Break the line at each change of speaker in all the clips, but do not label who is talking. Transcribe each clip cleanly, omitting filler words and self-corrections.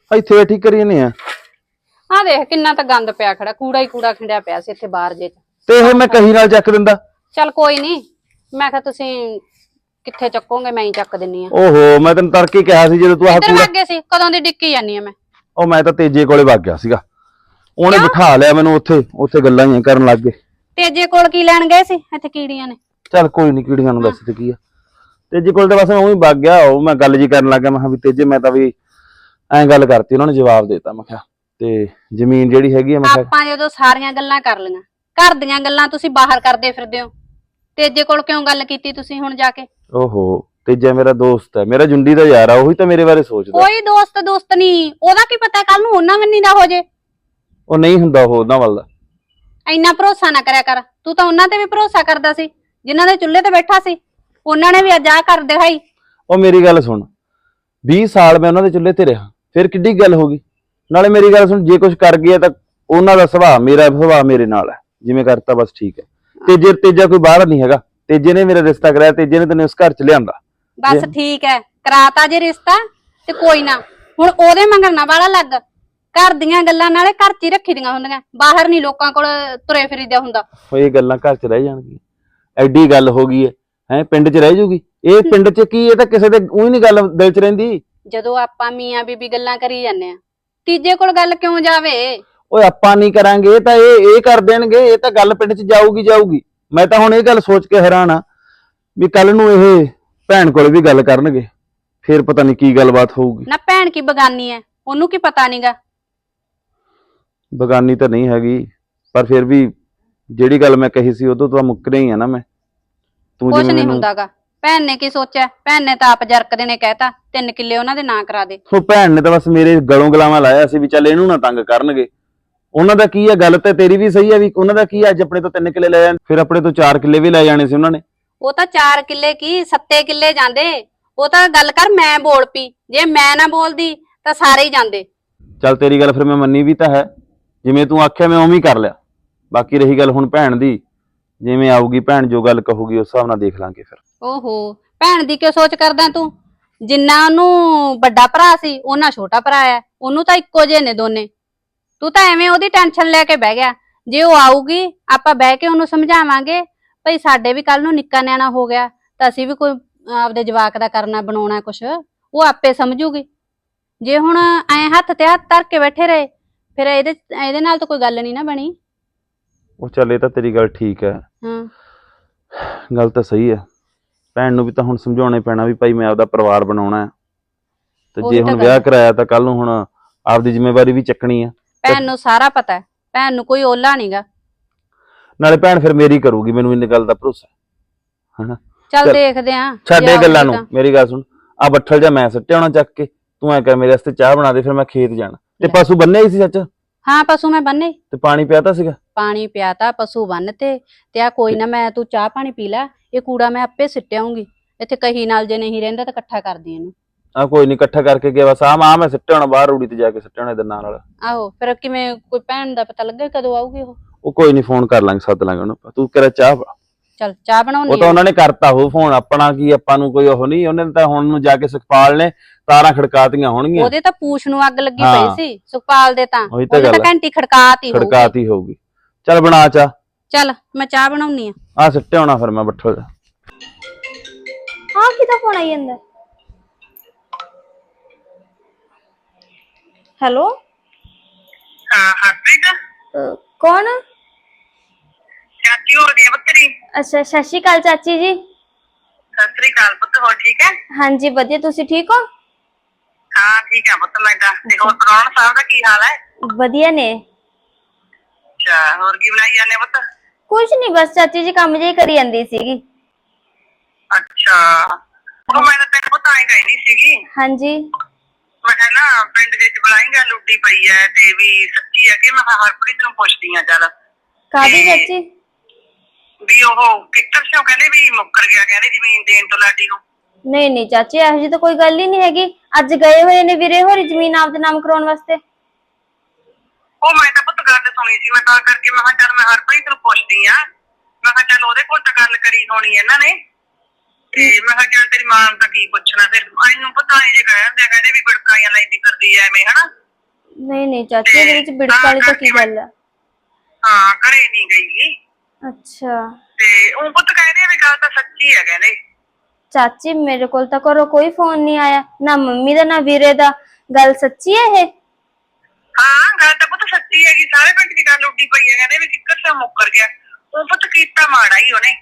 ਇੱਥੇ ਬੈਠੀ ਕਰੀ ਜਾਂਦੇ ਆ।
ਆ ਦੇਖ ਕਿੰਨਾ ਤਾਂ ਗੰਦ ਪਿਆ ਖੜਾ, ਕੂੜਾ ਹੀ ਕੂੜਾ ਖਿੰਡਿਆ ਪਿਆ ਸੀ ਇੱਥੇ ਬਾਹਰ ਜੇ।
ਤੇ ਇਹ ਮੈਂ ਕਹੀ ਨਾਲ ਚੱਕ ਦਿੰਦਾ।
ਚੱਲ ਕੋਈ ਨਹੀਂ, ਮੈਂ ਕਿਹਾ ਤੁਸੀਂ ਕਿੱਥੇ ਚੱਕੋਗੇ, ਮੈਂ ਹੀ ਚੱਕ ਦਿੰਨੀ ਆ।
ਓਹੋ, ਮੈਂ ਤੈਨੂੰ ਤੜਕੇ ਕਿਹਾ ਸੀ ਜਦੋਂ ਤੂੰ ਆਹ
ਕਿੱਧਰ
ਕੂੜਾ।
ਵਗ ਗਏ ਸੀ? ਕਦੋਂ ਦੀ ਡਿੱਕੀ ਜਾਨੀ ਆ ਮੈਂ।
ਉਹ ਮੈਂ ਤਾਂ ਤੇਜੇ ਕੋਲੇ ਵਗ ਗਿਆ ਸੀਗਾ, ਉਹਨੇ ਬਿਠਾ ਲਿਆ ਮੈਨੂੰ ਉੱਥੇ ਗੱਲਾਂ ਹੀ ਕਰਨ ਲੱਗ ਗਏ।
ਤੇਜੇ ਕੋਲ ਕੀ ਲੈਣ ਗਏ ਸੀ? ਇੱਥੇ ਕੀੜੀਆਂ ਨੇ।
ਚੱਲ ਕੋਈ ਨੀ, ਕੀੜੀਆਂ ਨੂੰ ਦੱਸ ਤੇ ਕੀ ਆ। ਤੇਜੇ ਕੋਲ ਤਾਂ ਬਸ ਮੈਂ ਉਹੀ ਵਗ ਗਿਆ, ਉਹ ਮੈਂ ਗੱਲ ਜੀ ਕਰਨ ਲੱਗ ਗਿਆ। ਮੈਂ ਕਿਹਾ ਵੀ ਤੇਜੇ, ਮੈਂ ਤਾਂ ਵੀ ਐਂ ਗੱਲ ਕਰਤੀ, ਉਹਨਾਂ ਨੇ ਜਵਾਬ ਦੇਤਾ। ਮੈਂ ਕਿਹਾ ਤੇ ਜ਼ਮੀਨ ਜਿਹੜੀ ਹੈਗੀ ਆ, ਮੈਂ ਕਿਹਾ
ਆਪਾਂ ਜਦੋਂ ਸਾਰੀਆਂ ਗੱਲਾਂ ਕਰ ਲਈਆਂ, ਘਰ ਦੀਆਂ ਗੱਲਾਂ ਤੁਸੀਂ ਬਾਹਰ ਕਰਦੇ ਫਿਰਦੇ ਹੋ। ਤੇਜੇ ਕੋਲ ਕਿਉਂ ਗੱਲ ਕੀਤੀ ਤੁਸੀਂ ਹੁਣ ਜਾ ਕੇ?
ਓਹੋ, ਤੇਜਾ ਮੇਰਾ ਦੋਸਤ ਹੈ, ਮੇਰਾ ਜੁੰਡੀ ਦਾ ਯਾਰ ਆ, ਉਹੀ ਤਾਂ ਮੇਰੇ ਬਾਰੇ ਸੋਚਦਾ।
ਕੋਈ ਦੋਸਤ ਨਹੀਂ, ਉਹਦਾ ਕੀ ਪਤਾ ਕੱਲ ਨੂੰ ਉਹਨਾਂ ਮੰਨੀ ਦਾ ਹੋ ਜੇ।
ਉਹ ਨਹੀਂ ਹੁੰਦਾ ਉਹ ਉਹਨਾਂ ਵੱਲ ਦਾ।
ਇੰਨਾ ਭਰੋਸਾ ਨਾ ਕਰਿਆ ਕਰ, ਤੂੰ ਤਾਂ ਉਹਨਾਂ ਤੇ ਵੀ ਭਰੋਸਾ ਕਰਦਾ ਸੀ, ਜਿਨ੍ਹਾਂ ਦੇ ਚੁੱਲ੍ਹੇ ਤੇ ਬੈਠਾ ਸੀ। ਉਹਨਾਂ ਨੇ ਵੀ ਅੱਜ ਆਹ ਕਰ ਦਿਖਾਈ।
ਉਹ ਮੇਰੀ ਗੱਲ ਸੁਣ, 20 ਸਾਲ ਮੈਂ ਉਹਨਾਂ ਦੇ ਚੁੱਲ੍ਹੇ ਤੇ ਰਿਹਾ, ਫਿਰ ਕਿੱਡੀ ਗੱਲ ਹੋ ਗਈ। ਨਾਲੇ ਮੇਰੀ ਗੱਲ ਸੁਣ, ਜੇ ਕੁਝ ਕਰ ਗਿਆ ਤਾਂ ਉਹਨਾਂ ਦਾ ਸੁਭਾਅ, ਮੇਰਾ ਸੁਭਾਅ ਮੇਰੇ ਨਾਲ ਹੈ, ਜਿਵੇਂ ਕਰਤਾ ਬਸ ਠੀਕ ਹੈ। ਤੇਜਾ ਕੋਈ ਬਾਹਰ ਨਹੀਂ ਹੈਗਾ, ਤੇਜੇ ਨੇ ਮੇਰਾ ਰਿਸ਼ਤਾ ਕਰਾਇਆ, ਤੇਜੇ ਨੇ ਤੈਨੂੰ ਇਸ ਘਰ ਚ ਲਿਆਂਦਾ।
ਬਸ ਠੀਕ ਹੈ, ਕਰਾਤਾ ਜੇ ਰਿਸ਼ਤਾ ਤੇ ਕੋਈ ਨਾ, ਹੁਣ ਉਹਦੇ ਮੰਗਣ ਨਾ ਵਾਲਾ ਲੱਗ। ਘਰ ਦੀਆਂ ਗੱਲਾਂ ਨਾਲੇ ਘਰ ਚ ਹੀ ਰੱਖੀ ਦੀਆਂ ਹੁੰਦੀਆਂ, ਬਾਹਰ ਨਹੀਂ ਲੋਕਾਂ ਕੋਲ ਤੁਰੇ ਫਿਰੀਦਾ ਹੁੰਦਾ।
ਉਹ ਇਹ ਗੱਲਾਂ ਘਰ ਚ ਰਹਿ ਜਾਣਗੀਆਂ, ਐਡੀ ਗੱਲ ਹੋ ਗਈ ਹੈ ਪਿੰਡ ਚ ਰਹਿ ਜੂਗੀ ਇਹ? ਪਿੰਡ ਚ ਕੀ, ਇਹ ਤਾਂ ਕਿਸੇ ਦੇ ਉਹੀ ਨਹੀਂ ਗੱਲ ਦਿਲ ਚ ਰਹਿੰਦੀ।
ਜਦੋਂ ਆਪਾਂ ਮੀਆਂ ਬੀਬੀ ਗੱਲਾਂ ਕਰੀ ਜਾਂਦੇ ਆ, ਤੀਜੇ ਕੋਲ ਗੱਲ ਕਿਉਂ ਜਾਵੇ?
ਓਏ ਆਪਾਂ ਨਹੀਂ ਕਰਾਂਗੇ ਤਾਂ ਇਹ ਕਰ ਦੇਣਗੇ, ਇਹ ਤਾਂ ਗੱਲ ਪਿੰਡ ਚ ਜਾਊਗੀ। ਮੈਂ ਤਾਂ ਹੁਣ ਇਹ ਗੱਲ ਸੋਚ ਕੇ ਹੈਰਾਨ ਆ ਵੀ ਕੱਲ ਨੂੰ ਇਹ ਭੈਣ ਕੋਲ ਵੀ ਗੱਲ ਕਰਨਗੇ, ਫੇਰ ਪਤਾ ਨਹੀਂ ਕੀ ਗੱਲਬਾਤ ਹੋਊਗੀ।
ਨਾ ਭੈਣ ਕੀ ਬਗਾਨੀ ਐ, ਉਹਨੂੰ ਕੀ ਪਤਾ ਨਹੀਂਗਾ।
ਬਗਾਨੀ ਤਾਂ ਨਹੀਂ ਹੈਗੀ, ਪਰ ਫਿਰ ਵੀ ਜਿਹੜੀ ਗੱਲ ਮੈਂ ਕਹੀ ਸੀ ਉਦੋਂ ਤਾਂ ਮੁੱਕਰੇ ਹੀ ਆ ਨਾ ਮੈਂ। ਤੂੰ
ਕੁਛ ਨਹੀਂ ਹੁੰਦਾਗਾ, ਭੈਣ ਨੇ ਕੀ ਸੋਚਿਆ? ਭੈਣ ਨੇ ਤਾਂ ਆਪ ਜਰਕਦੇ ਨੇ ਕਹਿਤਾ 3 ਕਿੱਲੇ ਉਹਨਾਂ ਦੇ ਨਾਂ ਕਰਾ ਦੇ।
ਉਹ ਭੈਣ ਨੇ ਤਾਂ ਬਸ ਮੇਰੇ ਗਲੋਂ ਗਲਾਵਾਂ ਲਾਇਆ ਸੀ ਵੀ ਚੱਲ ਇਹਨੂੰ ਨਾ ਤੰਗ ਕਰਨਗੇ। ਉਹਨਾਂ ਦਾ ਕੀ ਆ, ਗੱਲ ਤੇ ਤੇਰੀ ਵੀ ਸਹੀ ਆ ਵੀ ਉਹਨਾਂ ਦਾ ਕੀ ਆ, ਅੱਜ ਆਪਣੇ ਤੋਂ 3 ਕਿੱਲੇ ਲੈ ਜਾਣ, ਫਿਰ ਆਪਣੇ ਤੋਂ 4 ਕਿੱਲੇ ਵੀ ਲੈ ਜਾਣੇ ਸੀ ਉਹਨਾਂ ਨੇ।
ਉਹ ਤਾਂ 4 ਕਿੱਲੇ ਕੀ 7 ਕਿੱਲੇ ਜਾਂਦੇ। ਉਹ ਤਾਂ ਗੱਲ ਕਰ, ਮੈਂ ਬੋਲ ਪਈ, ਜੇ ਮੈਂ ਨਾ ਬੋਲਦੀ ਤਾਂ ਸਾਰੇ ਹੀ ਜਾਂਦੇ।
ਚੱਲ ਤੇਰੀ ਗੱਲ ਫਿਰ ਮੈਂ ਮੰਨੀ ਵੀ ਤਾਂ ਹੈ, ਜਿਵੇਂ ਤੂੰ ਆਖਿਆ ਮੈਂ ਉਵੇਂ ਹੀ ਕਰ ਲਿਆ। ਬਾਕੀ ਰਹੀ ਗੱਲ ਹੁਣ ਭੈਣ ਦੀ, ਜਿਵੇਂ ਆਊਗੀ ਭੈਣ, ਜੋ ਗੱਲ ਕਹੂਗੀ ਉਸ ਹਿਸਾਬ ਨਾਲ ਦੇਖ ਲਾਂਗੇ ਫਿਰ।
ਓਹੋ, ਭੈਣ ਦੀ ਕਿਉਂ ਸੋਚ ਕਰਦਾ ਤੂੰ? ਜਿੰਨਾ ਉਹਨੂੰ ਵੱਡਾ ਭਰਾ ਸੀ, ਉਹਨਾਂ ਛੋਟਾ ਭਰਾ ਆ, ਉਹਨੂੰ ਤਾਂ ਇੱਕੋ ਜਿਹੇ ਨੇ ਦੋਨੇ। ਤੂੰ ਤਾਂ ਐਵੇਂ ਉਹਦੀ ਟੈਨਸ਼ਨ ਲੈ ਕੇ ਬਹਿ ਗਿਆ। ਜੇ ਉਹ ਆਊਗੀ, ਆਪਾਂ ਬਹਿ ਕੇ ਉਹਨੂੰ ਸਮਝਾਵਾਂਗੇ ਭਈ ਸਾਡੇ ਵੀ ਕੱਲ ਨੂੰ ਨਿੱਕਾ ਨਿਆਣਾ ਹੋ ਗਿਆ ਤਾਂ ਅਸੀਂ ਵੀ ਕੋਈ ਆਪਦੇ ਜਵਾਕ ਦਾ ਕਰਨਾ ਬਣਾਉਣਾ ਕੁਛ, ਉਹ ਆਪੇ ਸਮਝੂਗੀ। ਜੇ ਹੁਣ ਐ ਹੱਥ ਤੇ ਹੱਥ ਧਰ ਕੇ ਬੈਠੇ ਰਹੇ, ਫਿਰ ਇਹਦੇ ਨਾਲ ਤਾਂ ਕੋਈ ਗੱਲ ਨਹੀਂ ਨਾ ਬਣੀ।
ਉਹ ਚੱਲ, ਇਹ ਤਾਂ ਤੇਰੀ ਗੱਲ ਠੀਕ ਹੈ। ਗੱਲ ਤਾਂ ਸਹੀ ਹੈ, ਭੈਣ ਨੂੰ ਵੀ ਤਾਂ ਹੁਣ ਸਮਝਾਉਣਾ ਪੈਣਾ ਵੀ ਭਾਈ ਮੈਂ ਆਪਦਾ ਪਰਿਵਾਰ ਬਣਾਉਣਾ ਹੈ, ਤੇ ਜੇ ਹੁਣ ਵਿਆਹ ਕਰਾਇਆ ਤਾਂ ਕੱਲ ਨੂੰ ਹੁਣ ਆਪਦੀ ਜ਼ਿੰਮੇਵਾਰੀ ਵੀ ਚੱਕਣੀ ਆ।
ਭੈਣ ਨੂੰ ਸਾਰਾ ਪਤਾ ਹੈ, ਭੈਣ ਨੂੰ ਕੋਈ ਓਲਾ ਨਹੀਂਗਾ।
ਨਾਲੇ ਭੈਣ ਫਿਰ ਮੇਰੀ ਕਰੂਗੀ, ਮੈਨੂੰ ਇੰਨੀ ਗੱਲ ਦਾ ਭਰੋਸਾ ਹੈ ਹਨਾ।
ਚੱਲ ਦੇਖਦੇ ਆਂ,
ਛੱਡ ਇਹ ਗੱਲਾਂ ਨੂੰ, ਮੇਰੀ ਗੱਲ ਸੁਣ, ਆ ਬੱਠਲ ਜਾ ਮੈਂ ਸੱਟਿਆ ਹੋਣਾ ਚੱਕ ਕੇ, ਤੂੰ ਐ ਕਰ ਮੇਰੇ ਵਾਸਤੇ ਚਾਹ ਬਣਾ ਦੇ, ਫਿਰ ਮੈਂ ਖੇਤ ਜਾਣਾ। ਤੇ ਪਸ਼ੂ ਬੰਨੇ ਹੀ ਸੀ ਸੱਚ?
ਹਾਂ, ਪਸ਼ੂ ਮੈਂ ਬੰਨੇ।
ਤੇ ਪਾਣੀ ਪਿਆਤਾ ਸੀਗਾ?
ਪਾਣੀ ਪਿਆਤਾ, ਪਸ਼ੂ ਬੰਨ ਤੇ ਆ ਕੋਈ ਨਾ, ਮੈਂ ਤੂੰ ਚਾਹ ਪਾਣੀ ਪੀ ਲੈ, ਇਹ ਕੂੜਾ ਮੈਂ ਆਪੇ ਸਿੱਟਿਆਉਂਗੀ ਇੱਥੇ ਕਹੀ ਨਾਲ, ਜੇ ਨਹੀਂ ਰਹਿੰਦਾ ਤਾਂ ਇਕੱਠਾ ਕਰਦੀ ਇਹਨੂੰ।
ਆ ਕੋਈ ਨੀ, ਇਕੱਠਾ ਕਰਕੇ ਗਿਆ ਬਸ। ਆ ਮੈਂ ਸਿੱਟਿਆ ਹੋਣਾ ਬਾਹਰ, ਰੂੜੀ ਤੇ ਜਾ ਕੇ ਸਿੱਟਿਆ ਹੋਣਾ ਇਹਦੇ ਨਾਲ।
ਆਹੋ, ਫਿਰ ਕਿਵੇਂ ਕੋਈ ਭੈਣ ਦਾ ਪਤਾ ਲੱਗੇ ਕਦੋਂ ਆਊਗੀ
ਉਹ ਕੋਈ ਨੀ, ਫੋਨ ਕਰ ਲਾਂਗੇ, ਸੱਦ ਲਾਂਗੇ ਉਹਨੂੰ। ਤੂੰ ਕਿਹੜਾ ਚਾਹ?
ਚੱਲ ਚਾਹ ਬਣਾਉਣੀ।
ਉਹ ਤਾਂ ਉਹਨਾਂ ਨੇ ਕਰਤਾ ਉਹ ਫੋਨ, ਆਪਣਾ ਕੀ, ਆਪਾਂ ਨੂੰ ਕੋਈ ਉਹ ਨਹੀਂ। ਉਹਨੇ ਤਾਂ ਹੁਣ ਨੂੰ ਜਾ ਕੇ ਸੁਖਪਾਲ ਨੇ ਤਾਰਾਂ ਖੜਕਾਤੀਆਂ ਹੋਣਗੀਆਂ।
ਉਹਦੇ ਤਾਂ ਪੂਛ ਨੂੰ ਅੱਗ ਲੱਗੀ ਪਈ ਸੀ ਸੁਖਪਾਲ ਦੇ, ਤਾਂ
ਉਹਨੇ
ਤਾਂ ਘੰਟੀ ਖੜਕਾਤੀ
ਹੋਊਗੀ। ਚੱਲ ਬਣਾ ਚਾਹ।
ਚੱਲ ਮੈਂ ਚਾਹ ਬਣਾਉਣੀ
ਆ ਸਿੱਟਿਆ ਹੋਣਾ ਫਿਰ ਮੈਂ ਬੱਠਲ ਦਾ।
ਹਾਂ, ਕਿਹਦਾ ਫੋਨ ਆਈ ਜਾਂਦਾ? ਹੈਲੋ,
ਹਾਂ ਹਰਪ੍ਰੀਤ
ਕੌਣ?
ਚਾਚੀ ਹੋ ਰਹੀ ਹੈ ਬੱਤਰੀ।
ਅੱਛਾ, ਸਤਿ ਸ਼੍ਰੀ ਅਕਾਲ ਚਾਚੀ ਜੀ।
ਸਤਿ ਸ੍ਰੀ ਅਕਾਲ ਪੁੱਤ, ਹੋਰ ਠੀਕ ਹੈ?
ਹਾਂਜੀ ਵਧੀਆ, ਤੁਸੀਂ ਠੀਕ ਹੋ?
ਹਾਂ ਠੀਕ ਹੈ ਪੁੱਤ, ਮੈਂ ਤਾਂ। ਤੇ ਹੋਰ ਪ੍ਰਾਹੁਣਾ ਸਾਹਿਬ ਦਾ ਕੀ ਹਾਲ ਹੈ?
ਵਧੀਆ ਨੇ।
ਅੱਛਾ, ਹੋਰ ਕੀ ਬਣਾਈ ਜਾਂਦੇ ਪੁੱਤ?
ਕੁਛ ਨਹੀਂ, ਬਸ ਚਾਚੀ ਜੀ ਕੰਮ ਜਿਹੀ ਕਰੀ ਜਾਂਦੀ ਸੀਗੀ।
ਅੱਛਾ, ਉਹ ਮੈਂ ਤਾਂ ਤੈਨੂੰ ਪੁੱਤ ਆਈ ਕਹਿੰਦੀ ਸੀਗੀ।
ਹਾਂਜੀ।
ਮੈਂ ਕਿਹਾ ਨਾ ਪਿੰਡ ਵਿੱਚ ਬੁਲਾਏਗਾ, ਲੁੱਡੀ ਪਈ ਹੈ ਤੇ ਵੀ ਸੱਚੀ ਹੈ ਕਿ ਮੈਂ ਹਰਪ੍ਰੀਤ ਨੂੰ ਪੁੱਛਦੀ ਆ। ਚੱਲ
ਕਾਹਦੀ ਚਾਚੀ?
ਵੀ ਉਹ ਕਿੱਕਰ ਸਿਓ ਕਹਿੰਦੇ ਵੀ ਮੁੱਕਰ ਗਿਆ, ਕਹਿੰਦੇ ਜ਼ਮੀਨ ਦੇਣ ਤੋਂ ਲਾਡੀ ਨੂੰ।
ਨਹੀਂ ਨਹੀਂ ਚਾਚੀ, ਇਹੋ ਜਿਹੀ ਤਾਂ ਕੋਈ ਗੱਲ ਹੀ ਨਹੀਂ ਹੈਗੀ। ਅੱਜ ਗਏ ਹੋਏ ਨੇ ਵੀਰੇ ਹੋਰੀ ਜ਼ਮੀਨ ਆਪਦੇ ਨਾਮ ਕਰਾਉਣ ਵਾਸਤੇ।
ਉਹ ਮੈਂ ਤਾਂ ਪੁੱਤ ਗੱਲ ਸੁਣੀ ਸੀ, ਮੈਂ ਤਾਂ ਕਰਕੇ ਮੈਂ ਕਿਹਾ ਚੱਲ ਮੈਂ ਹਰਪ੍ਰੀਤ ਨੂੰ ਪੁੱਛਦੀ ਆ। ਮੈਂ ਕਿਹਾ ਚੱਲ ਉਹਦੇ ਕੋਲ ਤਾਂ ਗੱਲ ਕਰੀ ਹੋਣੀ ਇਹਨਾਂ ਨੇ, ਤੇ ਮੈਂ ਕਿਹਾ ਚੱਲ ਤੇਰੀ ਮਾਂ ਨੂੰ ਤਾਂ ਕੀ ਪੁੱਛਣਾ, ਫਿਰ ਇਹਨੂੰ ਪਤਾ ਨਹੀਂ ਜੇ ਕਹਿੰਦੇ ਵੀ ਬੜਕਾਈਆਂ ਲੈਂਦੀ ਕਰਦੀ ਐ ਐਵੇਂ ਹਨਾ।
ਨਹੀਂ ਚਾਚੀ, ਇਹਦੇ ਵਿੱਚ ਬਿੜਕ ਵਾਲੀ ਤਾਂ ਕੀ ਗੱਲ ਆ?
ਹਾਂ ਘਰੇ ਨਹੀਂ ਗਈ।
ਅੱਛਾ।
ਤੇ ਉਹ ਪੁੱਤ ਕਹਿੰਦੇ ਵੀ ਗੱਲ ਤਾਂ ਸੱਚੀ ਹੈ ਕਹਿੰਦੇ।
ਚਾਚੀ ਮੇਰੇ ਕੋਲ ਤਾਂ ਘਰੋਂ ਕੋਈ ਫੋਨ ਨਹੀਂ ਆਇਆ, ਨਾ ਮੰਮੀ ਦਾ ਨਾ ਵੀਰੇ ਦਾ। ਗੱਲ ਸੱਚੀ ਹੈ ਇਹ?
ਹਾਂ ਗੱਲ ਤਾਂ ਪੁੱਤ ਸੱਚੀ ਹੈਗੀ, ਸਾਰੇ ਪਿੰਡ ਦੀ ਗੱਲ ਉੱਡੀ ਪਈ ਹੈ, ਕਹਿੰਦੇ ਵੀ ਕਿੱਕਰ ਸੇ ਮੁੱਕਰ ਗਿਆ। ਉਹ ਪੁੱਤ ਕੀਤਾ ਮਾੜਾ ਹੀ ਉਹਨੇ,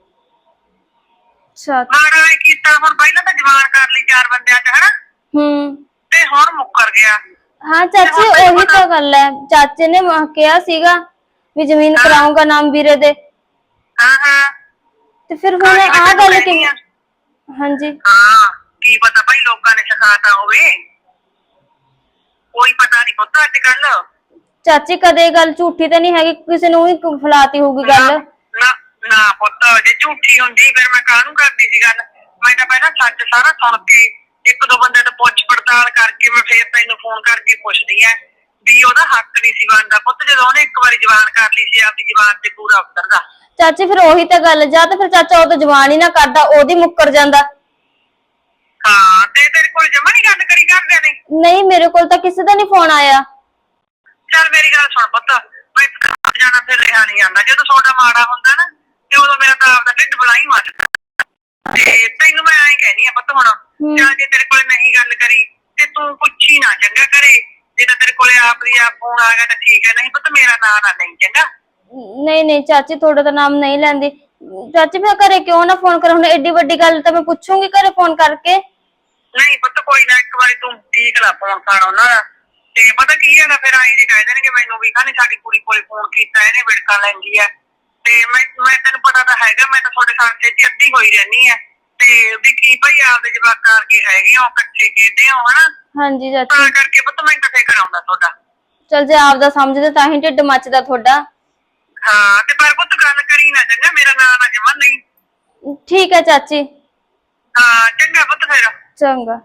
ਮਾੜਾ ਹੀ ਕੀਤਾ। ਹੁਣ ਪਹਿਲਾਂ ਤਾਂ ਜਵਾਨ ਕਰ ਲਈ 4 ਬੰਦਿਆਂ ਚ ਹਨਾ, ਤੇ ਹੁਣ ਮੁੱਕਰ ਗਿਆ।
ਹਾਂ ਚਾਚੀ ਉਹੀ ਤਾਂ ਗੱਲ ਹੈ, ਚਾਚੇ ਨੇ ਕਿਹਾ ਸੀਗਾ ਵੀ ਜ਼ਮੀਨ ਕਰਾਉਂਗਾ ਨਾਮ ਵੀਰੇ ਦੇ।
ਹਾਂ
ਤੇ ਫਿਰ ਹੁਣ ਆਹ ਗੱਲ ਕਿਵੇਂ? ਹਾਂਜੀ
ਹਾਂ ਕੀ ਪਤਾ ਭਾਈ ਲੋਕਾਂ ਨੇ ਸਿਖਾਤਾ ਹੋਵੇ, ਕੋਈ ਪਤਾ ਨਹੀਂ ਪੁੱਤ ਅੱਜ ਕੱਲ।
ਚਾਚੀ ਕਦੇ ਗੱਲ ਝੂਠੀ ਤਾਂ ਨਹੀਂ ਹੈਗੀ, ਕਿਸੇ ਨੂੰ ਹੀ ਫਲਾਤੀ ਹੋਊਗੀ ਗੱਲ?
ਨਾ ਪੁੱਤ ਜੇ ਝੂਠੀ ਹੁੰਦੀ ਫਿਰ ਮੈਂ ਕਾਹਨੂੰ ਕਰਦੀ ਸੀ ਗੱਲ। ਮੈਂ ਤਾਂ ਪਹਿਲਾਂ ਸੱਚ ਸਾਰਾ ਸੁਣ ਕੇ 1-2 ਬੰਦੇ ਤੋਂ ਪੁੱਛ ਪੜਤਾਲ ਕਰਕੇ ਮੈਂ ਫੇਰ ਤੈਨੂੰ ਫੋਨ ਕਰਕੇ ਪੁੱਛਦੀ ਆ ਵੀ ਉਹਦਾ ਹੱਕ ਨਹੀਂ ਸੀ ਬਣਦਾ ਪੁੱਤ, ਜਦੋਂ ਉਹਨੇ ਇੱਕ ਵਾਰੀ ਜਵਾਨ ਕਰ ਲਈ ਸੀ ਆਪਣੀ ਜਵਾਨ ਤੇ ਪੂਰਾ ਉਤਰਦਾ।
ਚਾਚੀ ਫਿਰ ਉਹੀ ਤਾਂ ਗੱਲ, ਜਾਂ ਤਾਂ ਫਿਰ ਚਾਚਾ ਉਹ ਤਾਂ ਜਵਾਨ ਹੀ ਨਾ ਕਰਦਾ, ਉਹਦੀ ਮੁੱਕਰ ਜਾਂਦਾ।
ਹਾਂ ਤੇ ਤੇਰੇ ਕੋਲ ਜਮਾ ਨਹੀਂ ਗੱਲ ਕਰੀ ਕਰਦੇ ਨੇ?
ਨਹੀਂ ਮੇਰੇ ਕੋਲ ਤਾਂ ਕਿਸੇ ਦਾ ਨਹੀਂ ਫੋਨ ਆਇਆ।
ਚੱਲ ਮੇਰੀ ਗੱਲ ਸੁਣ ਪੁੱਤ, ਮੈਂ ਜਾਣਾ ਫਿਰ ਰਿਹਾ ਨਹੀਂ ਜਾਂਦਾ, ਜਦੋਂ ਤੁਹਾਡਾ ਮਾੜਾ ਹੁੰਦਾ ਨਾ ਤੇ ਉਦੋਂ ਮੇਰਾ ਤਾਂ ਆਪਦਾ ਢਿੱਡ ਬਲਾਈ ਮੱਚਦਾ। ਤੇ ਤੈਨੂੰ ਮੈਂ ਐਂ ਕਹਿਨੀ ਆ ਪੁੱਤ ਹੁਣ, ਜਾਂ ਜੇ ਤੇਰੇ ਕੋਲ ਨਹੀਂ ਗੱਲ ਕਰੀ ਤੇ ਤੂੰ ਪੁੱਛੀ ਨਾ ਚੰਗਾ ਕਰੇ, ਜੇ ਤਾਂ ਤੇਰੇ ਕੋਲੇ ਆਪਦੀ ਆਪ ਫੋਨ ਆ ਗਿਆ ਤਾਂ ਠੀਕ ਹੈ, ਨਹੀਂ ਪੁੱਤ ਮੇਰਾ ਨਾਂ ਨਾ ਲਈ ਚੰਗਾ।
ਨਹੀਂ ਚਾਚੀ ਤੁਹਾਡਾ ਤਾਂ ਨਾਮ ਨਹੀਂ ਲੈਂਦੀ। ਚਾਚੀ ਮੈਂ ਘਰੇ ਕਿਉਂ ਨਾ ਫੋਨ ਕਰਾਂ, ਹੁਣ ਐਡੀ ਵੱਡੀ ਗੱਲ ਤਾਂ ਮੈਂ ਪੁੱਛੂੰਗੀ ਘਰੇ ਫੋਨ ਕਰਕੇ।
ਨਹੀਂ ਪੁੱਤ ਕੋਈ ਨਾ, ਇੱਕ ਵਾਰੀ ਤੂੰ ਠੀਕ ਲਾ ਫੋਨ ਕਰ ਉਹਨਾਂ ਦਾ। ਤੇ ਪਤਾ ਕੀ ਹੈਗਾ ਫਿਰ ਆਏ ਜੀ ਕਹਿ ਦੇਣਗੇ ਮੈਨੂੰ ਵੀ ਖਾਣੇ ਸਾਡੀ ਕੁੜੀ ਕੋਲੇ ਫੋਨ ਕੀਤਾ ਇਹਨੇ ਵਿੜਕਾ ਲੈਂਦੀ ਆ। ਤੇ ਮੈਂ ਤੈਨੂੰ ਪਤਾ ਤਾਂ ਹੈਗਾ, ਮੈਂ ਤਾਂ ਤੁਹਾਡੇ ਸਾਹਮਣੇ ਚ ਅੱਧੀ ਹੋਈ ਰਹਿਣੀ ਆ, ਤੇ ਵੀ ਕੀ ਭਾਈ ਆਪਦੇ ਜਵਾਕਾਂ ਵਰਗੇ ਹੈਗੇ ਹੋ, ਇਕੱਠੇ ਖੇਡਦੇ ਹੋ ਹਨਾ।
ਹਾਂਜੀ ਚਾਚੀ
ਤਾਂ ਕਰਕੇ ਪੁੱਤ ਮੈਨੂੰ ਤਾਂ ਫਿਕਰ ਆਉਂਦਾ ਤੁਹਾਡਾ।
ਚਲ ਜੇ ਆਪਦਾ ਸਮਝਦੇ ਤਾਂ ਹੀ ਢਿੱਡ ਮੱਚਦਾ ਤੁਹਾਡਾ।
ਹਾਂ ਤੇ ਪਰ ਪੁੱਤ ਗੱਲ ਕਰੀ ਨਾ ਚੰਗਾ, ਮੇਰਾ ਨਾਂ ਨਾ ਜਮਾ ਨਹੀਂ।
ਠੀਕ ਹੈ ਚਾਚੀ।
ਹਾਂ ਚੰਗਾ ਪੁੱਤ ਫਿਰ।
ਚੰਗਾ।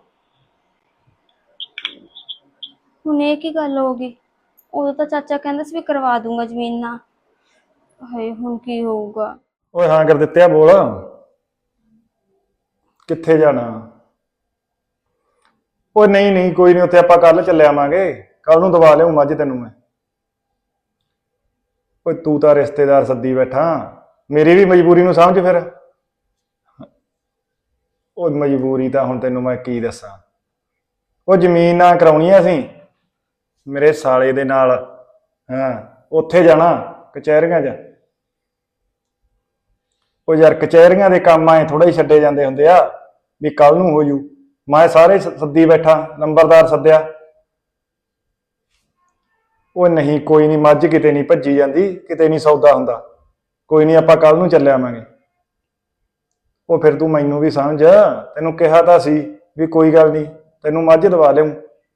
ਹੁਣ ਇਹ ਕੀ ਗੱਲ ਹੋ ਗਈ? ਉਦੋਂ ਤਾਂ ਚਾਚਾ ਕਹਿੰਦਾ ਸੀ ਵੀ ਕਰਵਾ ਦੂੰਗਾ ਜ਼ਮੀਨ ਨਾਲ, ਹਾਏ ਹੁਣ ਕੀ ਹੋਊਗਾ?
ਓਏ ਹਾਂ ਕਰ ਦਿੱਤਿਆ, ਬੋਲ ਕਿੱਥੇ ਜਾਣਾ? ਓਏ ਨਹੀਂ ਕੋਈ ਨਹੀਂ, ਉੱਥੇ ਆਪਾਂ ਕੱਲ ਚੱਲੇ ਆਵਾਂਗੇ, ਕੱਲ ਨੂੰ ਦਵਾ ਲਿਆਉਂ ਮੱਝ ਤੈਨੂੰ ਮੈਂ। ਓਏ ਤੂੰ ਤਾਂ ਰਿਸ਼ਤੇਦਾਰ ਸੱਦੀ ਬੈਠਾ, ਮੇਰੀ ਵੀ ਮਜਬੂਰੀ ਨੂੰ ਸਮਝ ਫਿਰ। ਓਏ ਮਜਬੂਰੀ ਤਾਂ ਹੁਣ ਤੈਨੂੰ ਮੈਂ ਕੀ ਦੱਸਾਂ, ਉਹ ਜ਼ਮੀਨ ਨਾ ਕਰਾਉਣੀ ਆ ਅਸੀਂ ਮੇਰੇ ਸਾਲੇ ਦੇ ਨਾਲ। ਹਾਂ ਉੱਥੇ ਜਾਣਾ ਕਚਹਿਰੀਆਂ 'ਚ। ਉਹ ਯਾਰ ਕਚਹਿਰੀਆਂ ਦੇ ਕੰਮ ਆਏ ਥੋੜਾ ਹੀ ਛੱਡੇ ਜਾਂਦੇ ਹੁੰਦੇ ਆ ਵੀ ਕੱਲ ਨੂੰ ਹੋ ਜੂ। ਮੈਂ ਸਾਰੇ ਸੱਦੀ ਬੈਠਾ, ਨੰਬਰਦਾਰ ਸੱਦਿਆ। ਉਹ ਨਹੀਂ ਕੋਈ ਨਹੀਂ, ਮੱਝ ਕਿਤੇ ਨਹੀਂ ਭੱਜੀ ਜਾਂਦੀ, ਕਿਤੇ ਨਹੀਂ ਸੌਦਾ ਹੁੰਦਾ, ਕੋਈ ਨਹੀਂ ਆਪਾਂ ਕੱਲ ਨੂੰ ਚੱਲੇ ਆਵਾਂਗੇ। ਉਹ ਫਿਰ ਤੂੰ ਮੈਨੂੰ ਵੀ ਸਮਝ, ਤੈਨੂੰ ਕਿਹਾ ਤਾਂ ਸੀ ਵੀ ਕੋਈ ਗੱਲ ਨਹੀਂ ਤੈਨੂੰ ਮੱਝ ਦਵਾ ਲਿਆਉਂ।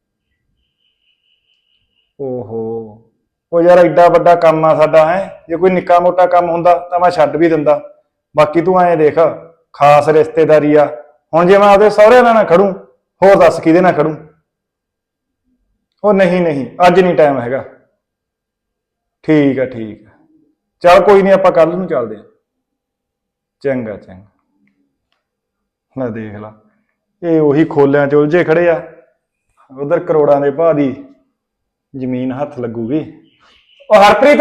ਓਹੋ ਉਹ ਯਾਰ ਐਡਾ ਵੱਡਾ ਕੰਮ ਆ ਸਾਡਾ, ਹੈ ਜੇ ਕੋਈ ਨਿੱਕਾ ਮੋਟਾ ਕੰਮ ਹੁੰਦਾ ਤਾਂ ਮੈਂ ਛੱਡ ਵੀ ਦਿੰਦਾ, ਬਾਕੀ ਤੂੰ ਐਂ ਦੇਖ ਖਾਸ ਰਿਸ਼ਤੇਦਾਰੀ ਆ। ਹੁਣ ਜੇ ਮੈਂ ਆਪਦੇ ਸਹੁਰਿਆਂ ਨਾਲ ਨਾ ਖੜੂੰ, ਹੋਰ ਦੱਸ ਕਿਹਦੇ ਨਾਲ ਖੜੂੰ? ਉਹ ਨਹੀਂ ਅੱਜ ਨਹੀਂ ਟਾਈਮ ਹੈਗਾ। ਠੀਕ ਆ ਚੱਲ ਕੋਈ ਨਹੀਂ, ਆਪਾਂ ਕੱਲ ਨੂੰ ਚੱਲਦੇ ਆ। ਚੰਗਾ ਲੈ ਦੇਖ ਲਾ, ਇਹ ਉਹੀ ਖੋਲਿਆਂ 'ਚ ਉਲਝੇ ਖੜੇ ਆ, ਉਧਰ ਕਰੋੜਾਂ ਦੇ ਭਾਅ ਦੀ ਜ਼ਮੀਨ ਹੱਥ ਲੱਗੂਗੀ। ਉਹ ਹਰਪ੍ਰੀਤ।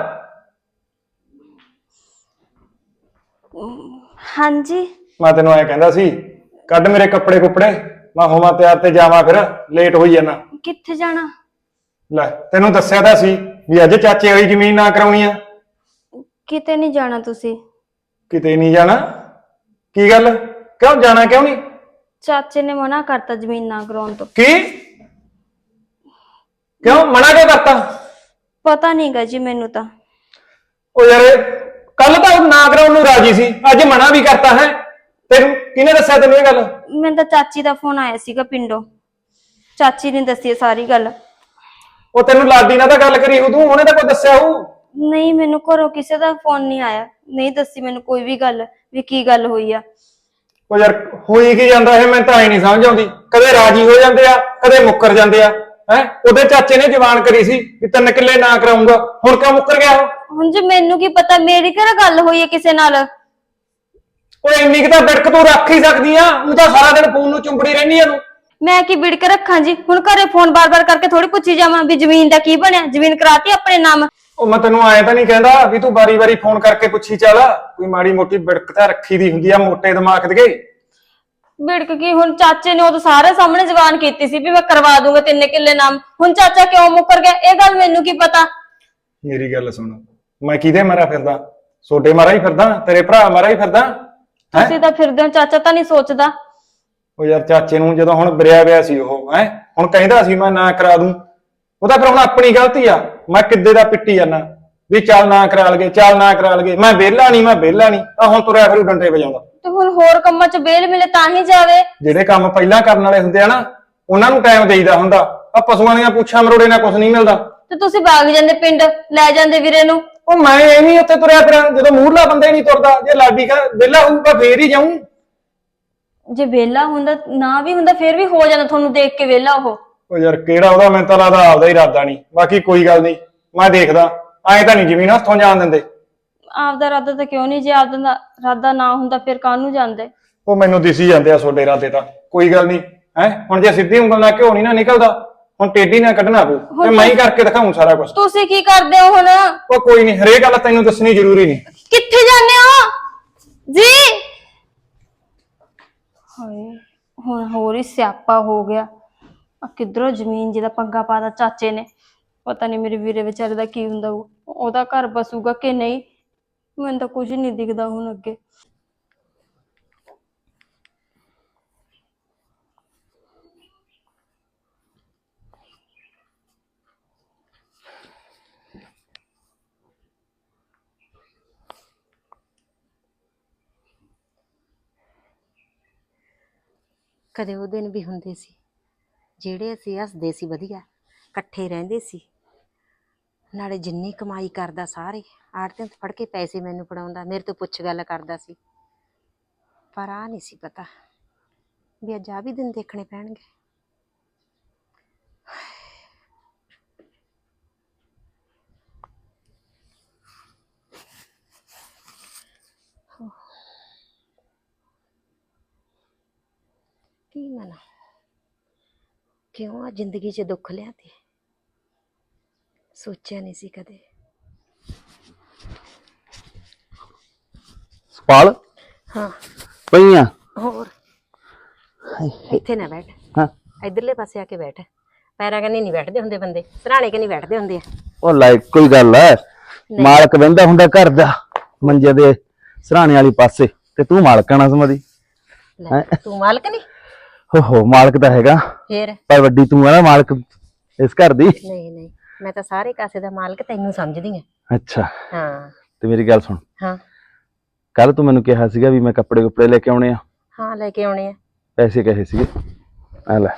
ਹਾਂਜੀ
ਮੈਂ ਤੈਨੂੰ ਐ ਕਹਿੰਦਾ ਸੀ, ਕੱਢ ਮੇਰੇ ਕੱਪੜੇ ਕੁੱਪੜੇ, ਮੈਂ ਹੋਵਾਂ ਤਿਆਰ ਤੇ ਜਾਵਾਂ, ਫਿਰ ਲੇਟ ਹੋਈ ਜਾਣਾ।
ਕਿੱਥੇ ਜਾਣਾ?
ਲੈ ਤੈਨੂੰ ਦੱਸਿਆ ਤਾਂ ਸੀ ਵੀ ਅੱਜ ਚਾਚੇ ਵਾਲੀ ਜ਼ਮੀਨ ਨਾ ਕਰਾਉਣੀ ਆ।
ਕਿਤੇ ਨਹੀਂ ਜਾਣਾ ਤੁਸੀਂ?
ਕਿਤੇ ਨਹੀਂ ਜਾਣਾ? ਕੀ ਗੱਲ, ਕਿਉਂ ਜਾਣਾ ਕਿਉਂ ਨਹੀਂ?
ਚਾਚੇ ਨੇ ਮਨਾ ਕਰਤਾ ਜ਼ਮੀਨ ਨਾ ਕਰਾਉਣ ਤੋਂ।
ਕੀ? ਕਿਉਂ ਮਨਾ ਕਿਉਂ ਕਰਤਾ?
ਪਤਾ ਨਹੀਂਗਾ ਜੀ ਮੈਨੂੰ ਤਾਂ।
ਉਹ ਯਾਰ ਕੱਲ ਤਾਂ ਨਾ ਕਰਾਉਣ ਨੂੰ ਰਾਜੀ ਸੀ, ਅੱਜ ਮਨਾ ਵੀ ਕਰਤਾ ਹੈ। ਤੈਨੂੰ ਕਿਹਨੇ ਦੱਸਿਆ ਤੈਨੂੰ ਇਹ ਗੱਲ?
ਮੈਨੂੰ ਤਾਂ ਚਾਚੀ ਦਾ ਫੋਨ ਆਇਆ ਸੀਗਾ ਪਿੰਡੋਂ, ਚਾਚੀ ਨੇ ਦੱਸੀ ਸਾਰੀ ਗੱਲ।
ਉਹ ਤੈਨੂੰ ਲਾਡੀ ਨਾਲ ਤਾਂ ਗੱਲ ਕਰੀ ਉਦੋਂ, ਉਹਨੇ ਤਾਂ ਕੋਈ ਦੱਸਿਆ ਹੋਊ?
ਨਹੀਂ ਮੈਨੂੰ ਘਰੋਂ ਕਿਸੇ ਦਾ ਫੋਨ ਨਹੀਂ ਆਇਆ, ਨਹੀਂ ਦੱਸੀ ਮੈਨੂੰ ਕੋਈ ਵੀ ਗੱਲ ਵੀ ਕੀ ਗੱਲ ਹੋਈ ਆ।
ਉਹ ਯਾਰ ਹੋਈ ਕੀ ਜਾਂਦਾ ਇਹ, ਮੈਨੂੰ ਤਾਂ ਐ ਨਹੀਂ ਸਮਝ ਆਉਂਦੀ, ਕਦੇ ਰਾਜੀ ਹੋ ਜਾਂਦੇ ਆ ਕਦੇ ਮੁੱਕਰ ਜਾਂਦੇ ਆ। ਹੈ ਉਹਦੇ ਚਾਚੇ ਨੇ ਜਵਾਨ ਕਰੀ ਸੀ ਵੀ 3 ਕਿੱਲੇ ਨਾ ਕਰਾਉਂਗਾ, ਹੁਣ ਕਿਉਂ ਮੁੱਕਰ ਗਿਆ ਉਹ?
ਹੁਣ ਜੀ ਮੈਨੂੰ ਕੀ ਪਤਾ, ਮੇਰੀ ਕਿਹੜਾ ਗੱਲ ਹੋਈ ਹੈ ਕਿਸੇ ਨਾਲ?
ਓਏ ਇੰਨੀ ਕੁ ਤਾਂ ਬਿੜਕ ਤੂੰ ਰੱਖ ਹੀ ਸਕਦੀ ਆ, ਉਹ ਤਾਂ ਸਾਰਾ ਦਿਨ ਫੋਨ ਨੂੰ ਚੁੰਬੜੀ ਰਹਿੰਦੀ ਆ ਤੂੰ।
ਮੈਂ ਕੀ ਵਿੜ ਕੇ ਰੱਖਾਂ ਜੀ? ਹੁਣ ਘਰੇ ਫੋਨ ਬਾਰ-ਬਾਰ ਕਰਕੇ ਥੋੜੀ ਪੁੱਛੀ ਜਾਵਾਂ ਵੀ ਜ਼ਮੀਨ ਦਾ ਕੀ ਬਣਿਆ, ਜ਼ਮੀਨ ਕਰਾਤੀ ਆਪਣੇ ਨਾਮ।
ਉਹ ਮੈਂ ਤੈਨੂੰ ਐ ਤਾਂ ਨਹੀਂ ਕਹਿੰਦਾ ਵੀ ਤੂੰ ਵਾਰੀ-ਵਾਰੀ ਫੋਨ ਕਰਕੇ ਪੁੱਛੀ ਚੱਲ, ਕੋਈ ਮਾੜੀ ਮੋਟੀ ਬਿੜਕ ਤਾਂ ਰੱਖੀ ਦੀ ਹੁੰਦੀ ਆ ਮੋਟੇ ਦਿਮਾਗ ਦੇ।
ਵਿੜਕ ਕੀ, ਹੁਣ ਚਾਚੇ ਨੇ ਉਹ ਤਾਂ ਸਾਰੇ ਸਾਹਮਣੇ ਜ਼ਬਾਨ ਕੀਤੀ ਸੀ ਵੀ ਮੈਂ ਕਰਵਾ ਦੂੰਗਾ 3 ਕਿੱਲੇ ਨਾਮ। ਹੁਣ ਚਾਚਾ ਕਿਉਂ ਮੁੱਕਰ ਗਿਆ ਇਹ ਗੱਲ ਮੈਨੂੰ ਕੀ ਪਤਾ।
ਮੇਰੀ ਗੱਲ ਸੁਣ, ਮੈਂ ਕਿਹਦੇ ਮਾਰਾ ਫਿਰਦਾ? ਛੋਟੇ ਮਾਰਾ ਹੀ ਫਿਰਦਾ, ਤੇਰੇ ਭਰਾ ਮਾਰਾ ਹੀ ਫਿਰਦਾ।
ਤੁਸੀਂ ਤਾਂ ਫਿਰਦੇ ਹੋ, ਚਾਚਾ ਤਾਂ ਨਹੀਂ ਸੋਚਦਾ।
ਉਹ ਯਾਰ ਚਾਚੇ ਨੂੰ ਜਦੋਂ ਹੁਣ ਬਰਿਆ ਪਿਆ ਸੀ ਉਹ ਹੁਣ ਕਹਿੰਦਾ ਸੀ ਮੈਂ ਨਾ ਕਰਾ ਦੂੰ, ਉਹ ਤਾਂ ਫਿਰ ਹੁਣ ਆਪਣੀ ਗਲਤੀ ਆ। ਮੈਂ ਕਿੱਦੇ ਦਾ ਪਿੱਟੀ ਜਾਨਾ ਵੀ ਚੱਲ ਨਾ ਕਰਾ ਲਗੇ, ਚੱਲ ਨਾ ਕਰਾ ਲਗੇ, ਮੈਂ ਵਿਹਲਾ ਨਹੀਂ ਤਾਂ ਹੁਣ ਤੁਰਿਆ ਫਿਰੂ ਡੰਡੇ ਵਜਾਉਂਦਾ।
ਤੇ ਹੁਣ ਹੋਰ ਕੰਮਾਂ 'ਚ ਬੇਲ ਮਿਲੇ ਤਾਂ ਹੀ ਜਾਵੇ।
ਜਿਹੜੇ ਕੰਮ ਪਹਿਲਾਂ ਕਰਨ ਵਾਲੇ ਹੁੰਦੇ ਆ ਨਾ ਉਹਨਾਂ ਨੂੰ ਟਾਈਮ ਦੇਈਦਾ ਹੁੰਦਾ। ਆ ਪਸ਼ੂਆਂ ਦੀਆਂ ਪੁੱਛਾਂ ਮਰੋੜੇ ਨਾਲ ਕੁਝ ਨਹੀਂ ਮਿਲਦਾ।
ਤੇ ਤੁਸੀਂ ਭਾਗ ਜਾਂਦੇ ਪਿੰਡ, ਲੈ ਜਾਂਦੇ ਵੀਰੇ ਨੂੰ।
ਉਹ ਮੈਂ ਐਵੇਂ ਉੱਥੇ ਤੁਰਿਆ ਫਿਰਾਂ ਜਦੋਂ ਮੂਹਰਲਾ ਬੰਦਾ ਹੀ ਨਹੀਂ ਤੁਰਦਾ। ਜੇ ਲਾਡੀ ਕਾ ਵਿਹਲਾ ਹੋਊਗਾ ਫੇਰ ਹੀ ਜਾਊਂ।
ਜੇ ਵਿਹਲਾ ਹੁੰਦਾ ਨਾ ਵੀ ਹੁੰਦਾ ਫੇਰ ਵੀ ਹੋ ਜਾਂਦਾ ਤੁਹਾਨੂੰ ਦੇਖ ਕੇ ਵਿਹਲਾ ਉਹ।
ਉਹ ਯਾਰ ਕਿਹੜਾ ਉਹਦਾ, ਮੈਨੂੰ ਤਾਂ ਲੱਗਦਾ ਆਪਦਾ ਹੀ ਇਰਾਦਾ ਨਹੀਂ। ਬਾਕੀ ਕੋਈ ਗੱਲ ਨਹੀਂ, ਮੈਂ ਦੇਖਦਾ। ਐਂ ਤਾਂ ਨਹੀਂ ਜ਼ਮੀਨ ਹੱਥੋਂ ਜਾਣ ਦਿੰਦੇ।
ਆਪਦਾ ਇਰਾਦਾ ਤਾਂ ਕਿਉਂ ਨਹੀਂ? ਜੇ ਆਪਦਾ ਇਰਾਦਾ ਨਾ ਹੁੰਦਾ ਫਿਰ ਕਾਹਨੂੰ ਜਾਂਦੇ?
ਉਹ ਮੈਨੂੰ ਦਿਸੀ ਜਾਂਦੇ ਆ ਤੁਹਾਡੇ ਇਰਾਦੇ ਤਾਂ। ਕੋਈ ਗੱਲ ਨਹੀਂ ਹੁਣ ਜੇ ਸਿੱਧੀ ਉਂਗਲ ਨਾਲ ਘਿਓ ਨਹੀਂ ਨਾ ਨਿਕਲਦਾ, ਹੁਣ ਟੇਢੀ ਨਾਲ ਕੱਢਣਾ ਪਊ ਤੇ ਮੈਂ ਹੀ ਕਰਕੇ ਦਿਖਾਉਂ ਸਾਰਾ ਕੁਝ।
ਤੁਸੀਂ ਕੀ ਕਰਦੇ ਹੋ ਹੁਣ?
ਉਹ ਕੋਈ ਨਹੀਂ, ਹਰੇਕ ਗੱਲ ਤੈਨੂੰ ਦੱਸਣੀ ਜ਼ਰੂਰੀ ਨਹੀਂ।
ਕਿੱਥੇ ਜਾਂਦੇ ਹੋ ਜੀ? ਹਾਏ ਹੁਣ ਹੋਰ ਹੀ ਸਿਆਪਾ ਹੋ ਗਿਆ। ਆ ਕਿੱਧਰੋਂ ਜ਼ਮੀਨ ਜਿਹਦਾ ਪੰਗਾ ਪਾਦਾ ਚਾਚੇ ਨੇ। ਪਤਾ ਨਹੀਂ ਮੇਰੇ ਵੀਰੇ ਵਿਚਾਰੇ ਦਾ ਕੀ ਹੁੰਦਾ, ਉਹਦਾ ਘਰ ਬਸੂਗਾ ਕਿ ਨਹੀਂ। ਮੈਨੂੰ ਤਾਂ ਕੁਝ ਨਹੀਂ ਦਿਖਦਾ ਹੁਣ ਅੱਗੇ।
ਕਦੇ ਉਹ ਦਿਨ ਵੀ ਹੁੰਦੇ ਸੀ ਜਿਹੜੇ ਅਸੀਂ ਹੱਸਦੇ ਸੀ, ਵਧੀਆ ਇਕੱਠੇ ਰਹਿੰਦੇ ਸੀ। ਨਾਲੇ ਜਿੰਨੀ ਕਮਾਈ ਕਰਦਾ ਸਾਰੇ ਆੜਤੀਆਂ ਤੋਂ ਫੜ ਕੇ ਪੈਸੇ ਮੈਨੂੰ ਫੜਾਉਂਦਾ, ਮੇਰੇ ਤੋਂ ਪੁੱਛ ਗੱਲ ਕਰਦਾ ਸੀ। ਪਰ ਆ ਨਹੀਂ ਸੀ ਪਤਾ ਵੀ ਅੱਜ ਆ ਵੀ ਦਿਨ ਦੇਖਣੇ ਪੈਣਗੇ। ਕੀ ਮਨਾ ਕਿਉਂ ਆ ਜ਼ਿੰਦਗੀ 'ਚ ਦੁੱਖ ਲਿਆਤੇ? ਸੋਚਿਆ ਨਹੀਂ ਸੀ ਕਦੇ।
ਸਪਾਲ
ਹਾਂ
ਪਈਆਂ
ਹੋਰ ਇੱਥੇ ਨਾ ਬੈਠ,
ਹਾਂ
ਇਧਰਲੇ ਪਾਸੇ ਆ ਕੇ ਬੈਠ। ਪੈਰਾਂ ਕੰਨੀ ਨਹੀਂ ਬੈਠਦੇ ਹੁੰਦੇ ਬੰਦੇ, ਸਰਾਣੇ ਕੰਨੀ ਬੈਠਦੇ ਹੁੰਦੇ ਆ।
ਉਹ ਲਾਈਕ ਕੋਈ ਗੱਲ ਹੈ, ਮਾਲਕ ਬਹਿੰਦਾ ਹੁੰਦਾ ਘਰ ਦਾ ਮੰਜੇ ਦੇ ਸਰਾਣੇ ਵਾਲੀ ਪਾਸੇ, ਤੇ ਤੂੰ ਮਾਲਕ ਨਾ ਸਮਝੀ।
ਲੈ, ਤੂੰ ਮਾਲਕ ਨਹੀਂ?
ਹੋ ਮਾਲਕ ਤਾਂ ਹੈਗਾ,
ਫੇਰ
ਪਰ ਵੱਡੀ ਤੂੰ ਆ ਨਾ ਮਾਲਕ ਇਸ ਘਰ ਦੀ।
ਨਹੀਂ ਨਹੀਂ, ਮੈਂ ਤਾਂ ਸਾਰੇ ਕਾਸੇ ਦਾ ਮਾਲਕ ਤੈਨੂੰ ਸਮਝਦੀ ਆ।
ਅੱਛਾ
ਹਾਂ
ਤੇ ਮੇਰੀ ਗੱਲ ਸੁਣ,
ਹਾਂ
ਕੱਲ ਤੂੰ ਮੈਨੂੰ ਕਿਹਾ ਸੀਗਾ ਵੀ ਮੈਂ ਕੱਪੜੇ ਕੁੱਪੜੇ ਲੈ ਕੇ ਆਉਣੇ ਆ।
ਹਾਂ ਲੈ ਕੇ ਆਉਣੇ ਆ।
ਪੈਸੇ ਕਹੇ ਸੀਗੇ, ਆ ਲੈ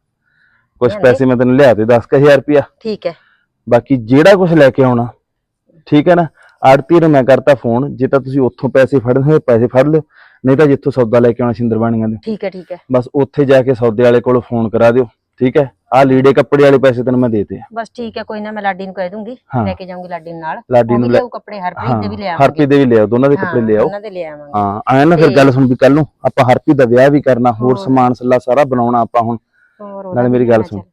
ਕੁਛ
ਲਿਆਂਦੇ?
ਪੈਸੇ ਮੈਂ ਤੈਨੂੰ ਲਿਆ ਤੇ 10,000 ਰੁਪਇਆ।
ਠੀਕ ਹੈ।
ਬਾਕੀ ਜਿਹੜਾ ਕੁਛ ਲੈ ਕੇ ਆਉਣਾ ਠੀਕ ਹੈ ਨਾ, ਆੜਤੀ ਨੂੰ ਮੈਂ ਕਰਤਾ ਫੋਨ। ਜੇ ਤਾਂ ਤੁਸੀਂ ਉੱਥੋਂ ਪੈਸੇ ਫੜਨੇ ਹੋਏ ਪੈਸੇ ਫੜ ਲਿਓ, ਨਹੀਂ ਤਾਂ ਜਿੱਥੋਂ ਸੌਦਾ ਲੈ ਕੇ ਆਉਣਾ ਸਿੰਦਰਬਾਣੀਆਂ ਦੇ,
ਠੀਕ ਹੈ ਠੀਕ ਹੈ।
ਬਸ ਉੱਥੇ ਜਾ ਕੇ ਸੌਦੇ ਵਾਲੇ ਕੋਲ ਫੋਨ ਕਰਾ ਦਿਓ। ਠੀਕ ਹੈ, ਆਹ ਲੀੜੇ ਕੱਪੜੇ ਵਾਲੇ ਪੈਸੇ ਤੈਨੂੰ ਮੈਂ ਦੇਤੇ ਆ।
ਬਸ ਠੀਕ ਹੈ, ਕੋਈ ਨਾ, ਮੈਂ ਲਾਡੀ ਨੂੰ ਕਹਿ ਦੂੰਗੀ,
ਹਾਂ।
ਲੈ ਕੇ ਜਾਊਂਗੀ ਲਾਡੀ ਨੂੰ ਨਾਲ।
ਲਾਡੀ ਨੂੰ ਲੈ
ਲਿਆਊ ਕੱਪੜੇ, ਹਰਪ੍ਰੀਤ ਦੇ ਵੀ ਲੈ ਆਵਾਂਗੇ।
ਹਰਪ੍ਰੀਤ ਦੇ ਵੀ ਲਿਆਓ, ਦੋਨਾਂ ਦੇ ਕੱਪੜੇ ਲਿਆਓ।
ਉਹਨਾਂ ਦੇ ਲੈ ਆਵਾਂਗੇ।
ਹਾਂ ਆਇਆ ਨਾ, ਫਿਰ ਗੱਲ ਸੁਣ ਵੀ ਕੱਲ ਨੂੰ ਆਪਾਂ ਹਰਪ੍ਰੀਤ ਦਾ ਵਿਆਹ ਵੀ ਕਰਨਾ, ਹੋਰ ਸਮਾਨ ਸੱਲਾ ਸਾਰਾ ਬਣਾਉਣਾ ਆਪਾਂ ਹੁਣ। ਨਾਲੇ ਮੇਰੀ ਗੱਲ ਸੁਣ,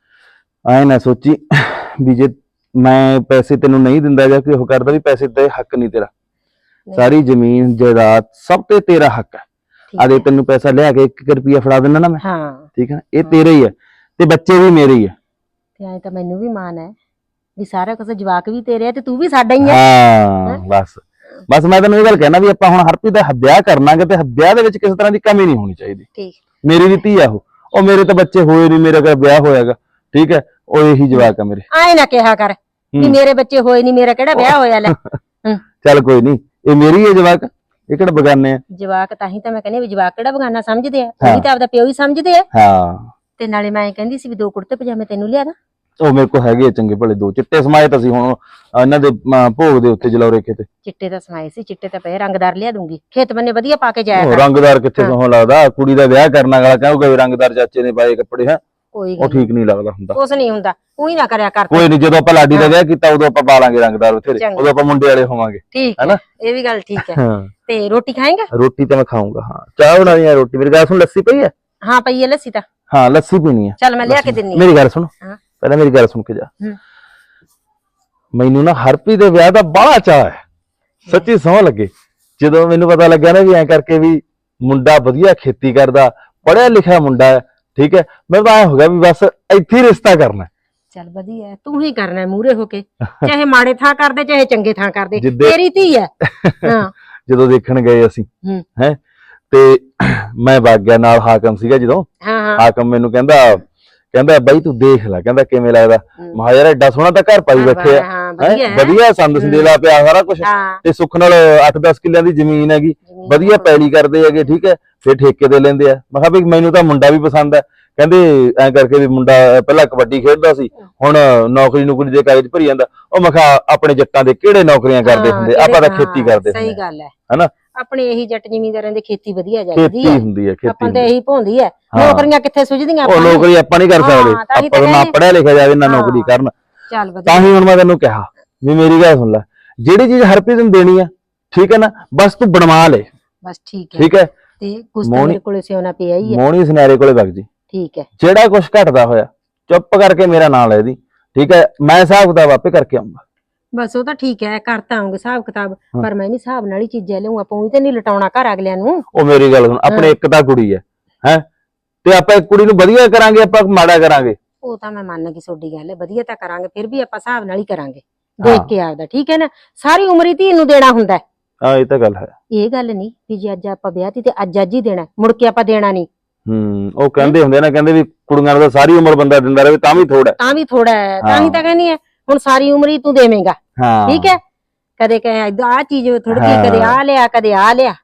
ਐ ਨਾ ਸੋਚੀ ਵੀ ਜੇ ਮੈਂ ਪੈਸੇ ਤੈਨੂੰ ਨਹੀਂ ਦਿੰਦਾ ਜਾਂ ਕੋਈ ਉਹ ਕਰਦਾ ਵੀ ਪੈਸੇ ਤੇ ਹੱਕ ਨਹੀਂ ਤੇਰਾ। ਸਾਰੀ ਜ਼ਮੀਨ ਜਾਇਦਾਦ ਸਭ ਤੇ ਤੇਰਾ ਹੱਕ ਹੈ। ਆਦੇ ਤੈਨੂੰ ਪੈਸਾ ਲਿਆ ਕੇ 1 ਰੁਪਿਆ ਫੜਾ ਦਿੰਦਾ ਨਾ ਮੈਂ,
ਹਾਂ
ਠੀਕ ਹੈ, ਇਹ ਤੇਰੇ ਹੀ ਹੈ ਤੇ ਬੱਚੇ ਵੀ ਮੇਰੇ ਹੀ ਹੈ।
ਤੇ ਐ ਤਾਂ ਮੈਨੂੰ ਵੀ ਮਾਣ ਹੈ ਵੀ ਸਾਰਾ ਕੁਝ ਜਵਾਕ ਵੀ ਤੇਰੇ ਆ ਤੇ ਤੂੰ ਵੀ ਸਾਡਾ ਹੀ ਹੈ।
ਹਾਂ ਬਸ ਬਸ ਮੈਂ ਤੈਨੂੰ ਇਹ ਗੱਲ ਕਹਿਣਾ ਵੀ ਆਪਾਂ ਹੁਣ ਹਰਪ੍ਰੀਤ ਦਾ ਵਿਆਹ ਕਰਨਾਗੇ ਤੇ ਵਿਆਹ ਦੇ ਵਿੱਚ ਕਿਸੇ ਤਰ੍ਹਾਂ ਦੀ ਕਮੀ ਨਹੀਂ ਹੋਣੀ ਚਾਹੀਦੀ।
ਠੀਕ।
ਮੇਰੀ ਵੀ ਧੀ ਆ ਉਹ ਮੇਰੇ ਤਾਂ ਬੱਚੇ ਹੋਏ ਨਹੀਂ, ਮੇਰਾ ਕਿਹੜਾ ਵਿਆਹ ਹੋਇਆਗਾ। ਠੀਕ ਹੈ, ਉਹ ਇਹੀ ਜਵਾਕ ਆ ਮੇਰੇ।
ਆਏ ਨਾ ਕਿਹਾ ਕਰ ਵੀ ਮੇਰੇ ਬੱਚੇ ਹੋਏ ਨਹੀਂ, ਮੇਰਾ ਕਿਹੜਾ ਵਿਆਹ ਹੋਇਆ। ਲੈ
ਚੱਲ ਕੋਈ ਨਹੀਂ, ਇਹ ਮੇਰੀ ਹੈ ਜਵਾਕ, ਇਹ ਕਿਹੜਾ ਬਗਾਨੇ ਆ।
ਜਵਾਕ ਤਾਂ ਹੀ ਤਾਂ ਮੈਂ ਕਹਿੰਦੀ ਵੀ ਜਵਾਕ ਕਿਹੜਾ ਬਗਾਨਾ ਸਮਝਦੇ ਆ, ਉਹ ਵੀ ਤਾਂ ਆਪਦਾ ਪਿਓ ਹੀ ਸਮਝਦੇ ਆ।
ਹਾਂ
ਤੇ ਨਾਲੇ ਮੈਂ ਕਹਿੰਦੀ ਸੀ ਵੀ 2 ਕੁੜਤੇ ਪਜਾਮੇ ਤੈਨੂੰ ਲਿਆ ਦਾਂ।
ਉਹ ਮੇਰੇ ਕੋਲ ਹੈਗੇ ਆ ਚੰਗੇ ਭਲੇ 2 ਚਿੱਟੇ ਸਮਾਏ ਤਾਂ ਸੀ ਹੁਣ ਇਹਨਾਂ ਦੇ ਭੋਗ ਦੇ ਉੱਤੇ ਜਲੌਰੇ ਖੇਤੇ।
ਚਿੱਟੇ ਤਾਂ ਸਮਾਏ ਸੀ, ਚਿੱਟੇ ਤਾਂ ਪਏ, ਰੰਗਦਾਰ ਲਿਆ ਦੂੰਗੀ, ਖੇਤ ਬੰਨੇ ਵਧੀਆ ਪਾ ਕੇ ਜਾਇਆ
ਉਹ
ਕਰ।
ਰੰਗਦਾਰ ਕਿੱਥੇ ਸੋਹਣਾ ਲੱਗਦਾ, ਕੁੜੀ ਦਾ ਵਿਆਹ ਕਰਨ ਵਾਲਾ ਕਹੂਗਾ ਵੀ ਰੰਗਦਾਰ ਚਾਚੇ ਨੇ ਪਾਏ ਕੱਪੜੇ ਹੈ।
ਕੋਈ
ਉਹ
ਗੱਲ
ਠੀਕ ਨਹੀਂ ਲੱਗਦਾ ਹੁੰਦਾ।
ਕੁਛ ਨਹੀਂ ਹੁੰਦਾ, ਉਹੀ ਨਾ ਕਰਿਆ ਕਰ।
ਕੋਈ ਨਹੀਂ, ਜਦੋਂ ਆਪਾਂ ਲਾਡੀ ਦਾ ਵਿਆਹ ਕੀਤਾ ਉਦੋਂ ਆਪਾਂ ਪਾਲਾਂਗੇ ਰੰਗਦਾਰ ਬਥੇਰੇ,
ਚੰਗਾ।
ਉਦੋਂ ਆਪਾਂ ਮੁੰਡੇ ਵਾਲੇ ਹੋਵਾਂਗੇ।
ਠੀਕ ਹੈ,
ਹੈਨਾ?
ਇਹ ਵੀ ਗੱਲ ਠੀਕ ਹੈ।
ਹਾਂ,
ਤੇ ਰੋਟੀ ਖਾਏਗਾ?
ਰੋਟੀ ਤਾਂ ਮੈਂ ਖਾਊਂਗਾ। ਹਾਂ, ਚਾਹ ਬਣਾਣੀ ਹੈ, ਰੋਟੀ। ਮੇਰੀ ਗੱਲ ਸੁਣ, ਲੱਸੀ ਪਈ ਹੈ?
ਹਾਂ ਪਈ ਹੈ ਲੱਸੀ ਤਾਂ।
ਹਾਂ, ਲੱਸੀ ਪੀਣੀ ਹੈ।
ਚੱਲ ਮੈਂ ਲਿਆ ਕੇ ਦਿੰਨੀ
ਮੇਰੀ ਗੱਲ ਸੁਣ,
ਹਾਂ।
ਪਹਿਲਾਂ ਮੇਰੀ ਗੱਲ ਸੁਣ ਕੇ ਜਾ।
ਹੂੰ।
ਮੈਨੂੰ ਨਾ ਹਰਪ੍ਰੀਤ ਦੇ ਵਿਆਹ ਦਾ ਬੜਾ ਚਾਅ ਹੈ, ਸੱਚੀ ਸਹੁੰ ਲੱਗੇ। ਜਦੋਂ ਮੈਨੂੰ ਪਤਾ ਲੱਗਿਆ ਨਾ ਵੀ ਐਂ ਕਰਕੇ ਵੀ ਮੁੰਡਾ ਵਧੀਆ ਖੇਤੀ ਕਰਦਾ, ਪੜ੍ਹਿਆ ਲਿਖਿਆ ਮੁੰਡਾ ਹੈ, ਠੀਕ ਹੈ, ਮੈਨੂੰ ਤਾਂ ਐਂ ਹੋ ਗਿਆ ਵੀ ਬਸ ਇੱਥੇ ਹੀ ਰਿਸ਼ਤਾ ਕਰਨਾ।
ਚੱਲ ਵਧੀਆ ਹੈ, ਤੂੰ ਹੀ ਕਰਨਾ ਮੂਹਰੇ ਹੋ ਕੇ, ਚਾਹੇ ਮਾੜੇ ਥਾਂ ਕਰਦੇ ਚਾਹੇ ਚੰਗੇ ਥਾਂ ਕਰਦੇ,
ਜਿੱਦੇ-
ਤੇਰੀ ਧੀ ਹੈ। ਹਾਂ
ਜਦੋਂ ਦੇਖਣ ਗਏ ਅਸੀਂ
ਹੂੰ।
ਹੈ, ਤੇ ਮੈਂ ਵਗ ਗਿਆ ਨਾਲ, ਹਾਕਮ ਸੀਗਾ ਜਦੋਂ।
ਹਾਂ ਹਾਂ
ਹਾਕਮ ਮੈਨੂੰ ਕਹਿੰਦਾ ਬਾਈ ਤੂੰ ਦੇਖ ਲੈ, ਕਹਿੰਦਾ ਕਿਵੇਂ ਲੱਗਦਾ।
ਹੂੰ।
ਮਹਾ ਯਾਰ ਐਡਾ ਸੋਹਣਾ ਤਾਂ ਘਰ ਪਾਈ ਬੈਠੇ ਆ,
ਹਾਂ
ਹੈਂ?
ਵਧੀਆ ਹੈ।
ਵਧੀਆ ਸੰਦ ਸੰਦੇਲਾ ਪਿਆ ਸਾਰਾ ਕੁਝ,
ਹਾਂ
ਤੇ ਸੁੱਖ ਨਾਲ 8-10 ਕਿੱਲਿਆਂ ਦੀ ਜ਼ਮੀਨ ਹੈਗੀ,
ਜ਼ਮੀਨ
ਵਧੀਆ ਪੈਲੀ ਕਰਦੇ ਹੈਗੇ, ਠੀਕ ਹੈ, ਫਿਰ ਠੇਕੇ ਦੇ ਲੈਂਦੇ ਆ। ਮੈਂ ਕਿਹਾ ਵੀ ਮੈਨੂੰ ਤਾਂ ਮੁੰਡਾ ਵੀ ਪਸੰਦ ਹੈ। ਕਹਿੰਦੇ ਐਂ ਕਰਕੇ ਵੀ ਮੁੰਡਾ ਪਹਿਲਾਂ ਕਬੱਡੀ ਖੇਡਦਾ ਸੀ, ਹੁਣ ਨੌਕਰੀ ਦੇ ਕਾਗਜ਼ ਭਰੀ ਜਾਂਦਾ। ਉਹ ਮੈਂ ਕਿਹਾ ਆਪਣੇ ਜੱਟਾਂ ਦੇ ਕਿਹੜੇ ਨੌਕਰੀਆਂ ਕਰਦੇ
ਹਾਂ,
ਹੁੰਦੇ, ਆਪਾਂ ਤਾਂ
ਹਾਂ,
ਖੇਤੀ ਕਰਦੇ
ਸਹੀ
ਹੁੰਦੇ,
ਗੱਲ ਹੈ।
ਹਨਾ?
ਆਪਣੇ ਇਹੀ ਜੱਟ ਜ਼ਿਮੀਂਦਾਰਾਂ ਦੀ ਖੇਤੀ ਵਧੀਆ
ਖੇਤੀ
ਜਾਂਦੀ ਹੈ,
ਹੁੰਦੀ ਹੈ,
ਆਪਾਂ
ਖੇਤੀ
ਤੇ ਇਹੀ ਭੌਂਦੀ ਹੈ।
ਹਾਂ।
ਨੌਕਰੀਆਂ ਕਿੱਥੇ ਸੁਝਦੀਆਂ
ਉਹ
ਆਪਾਂ ਨੂੰ?
ਨੌਕਰੀ ਆਪਾਂ ਨਹੀਂ ਕਰ
ਹਾਂ,
ਸਕਦੇ,
ਤਾਂ ਹੀ
ਆਪਾਂ ਨੂੰ ਨਾ
ਕਹਿੰਦੇ-
ਪੜਿਆ ਲਿਖਿਆ ਜਾਵੇ ਨਾ
ਹਾਂ।
ਨੌਕਰੀ ਕਰਨ।
ਚੱਲ
ਤਾਂ
ਵਧੀਆ,
ਹੀ ਹੁਣ ਮੈਂ ਤੈਨੂੰ ਕਿਹਾ ਵੀ ਮੇਰੀ ਗੱਲ ਸੁਣ ਲੈ, ਜਿਹੜੀ ਚੀਜ਼ ਹਰਪ੍ਰੀਤ ਨੂੰ ਦੇਣੀ ਆ, ਠੀਕ ਹੈ ਨਾ, ਬਸ ਤੂੰ ਬਣਵਾ ਲੈ,
ਬਸ ਠੀਕ ਹੈ।
ਠੀਕ ਹੈ।
ਤੇ ਕੁਛ ਤਾਂ
ਮੋਹਣੀ-
ਮੇਰੇ ਕੋਲੇ ਸਿਉਣਾ ਪਿਆ ਹੀ ਹੈ।
ਮੋਹਣੀ ਸੁਨਿਆਰੇ ਕੋਲੇ ਵਗ ਜੀ,
ਠੀਕ ਹੈ,
ਜਿਹੜਾ ਕੁਝ ਘਟਦਾ ਹੋਇਆ ਚੁੱਪ ਕਰਕੇ ਮੇਰਾ ਨਾਂ ਲੈ ਦੀ, ਠੀਕ ਹੈ। ਮੈਂ ਹਿਸਾਬ ਕਿਤਾਬ ਆਪੇ ਕਰਕੇ ਆਉਂਗਾ।
ਬਸ ਉਹ ਤਾਂ ਠੀਕ ਹੈ, ਕਰਤਾ ਆਉਂਗੇ ਹਿਸਾਬ ਕਿਤਾਬ,
ਹਾਂ।
ਪਰ ਮੈਂ ਵੀ ਹਿਸਾਬ ਨਾਲ ਹੀ ਚੀਜ਼ਾਂ ਲਿਆਉਂ, ਆਪਾਂ ਵੀ ਤੇ ਨਹੀਂ ਲਟਾਉਣਾ ਘਰ ਅਗਲਿਆਂ ਨੂੰ।
ਉਹ ਮੇਰੀ ਗੱਲ ਸੁਣ, ਆਪਣੇ ਇੱਕ ਤਾਂ ਕੁੜੀ ਹੈ, ਹੈ, ਤੇ ਆਪਾਂ ਇੱਕ ਕੁੜੀ ਨੂੰ ਵਧੀਆ ਕਰਾਂਗੇ, ਆਪਾਂ ਮਾੜਾ ਕਰਾਂਗੇ?
ਉਹ ਤਾਂ ਮੈਂ ਮੰਨ ਗਈ ਤੁਹਾਡੀ ਗੱਲ, ਵਧੀਆ ਤਾਂ ਕਰਾਂਗੇ, ਫਿਰ ਵੀ ਆਪਾਂ ਹਿਸਾਬ ਨਾਲ ਹੀ ਕਰਾਂਗੇ, ਦੇਖ ਕੇ ਆਪਦਾ, ਠੀਕ ਹੈ ਨਾ। ਸਾਰੀ ਉਮਰ ਹੀ ਧੀ ਨੂੰ ਦੇਣਾ ਹੁੰਦਾ ਹੈ।
ਹਾਂ, ਇਹ ਤਾਂ ਗੱਲ ਹੈ।
ਇਹ ਗੱਲ ਨਹੀਂ ਵੀ ਜੇ ਅੱਜ ਆਪਾਂ ਵਿਆਹ ਤੀ ਤੇ ਅੱਜ ਹੀ ਦੇਣਾ, ਮੁੜ ਕੇ ਆਪਾਂ ਦੇਣਾ ਨਹੀਂ।
ਉਹ ਕਹਿੰਦੇ ਹੁੰਦੇ ਨਾ, ਕਹਿੰਦੇ ਵੀ ਕੁੜੀਆਂ ਨੂੰ ਤਾਂ ਸਾਰੀ ਉਮਰ ਬੰਦਾ ਦਿੰਦਾ ਰਹੇ ਤਾਂ ਵੀ ਥੋੜਾ।
ਤਾਂ ਵੀ ਥੋੜਾ ਹੈ, ਤਾਂ
ਹਾਂ।
ਹੀ ਤਾਂ ਕਹਿੰਦੀ ਹੈ ਹੁਣ ਸਾਰੀ ਉਮਰ ਹੀ ਤੂੰ ਦੇਵੇਂਗਾ,
ਹਾਂ,
ਠੀਕ ਹੈ। ਕਦੇ ਕਹੇ ਆਹ ਚੀਜ਼ ਥੋੜੀ
ਹਾਂ।
ਕਦੇ ਆ ਲਿਆ, ਕਦੇ ਆ ਲਿਆ।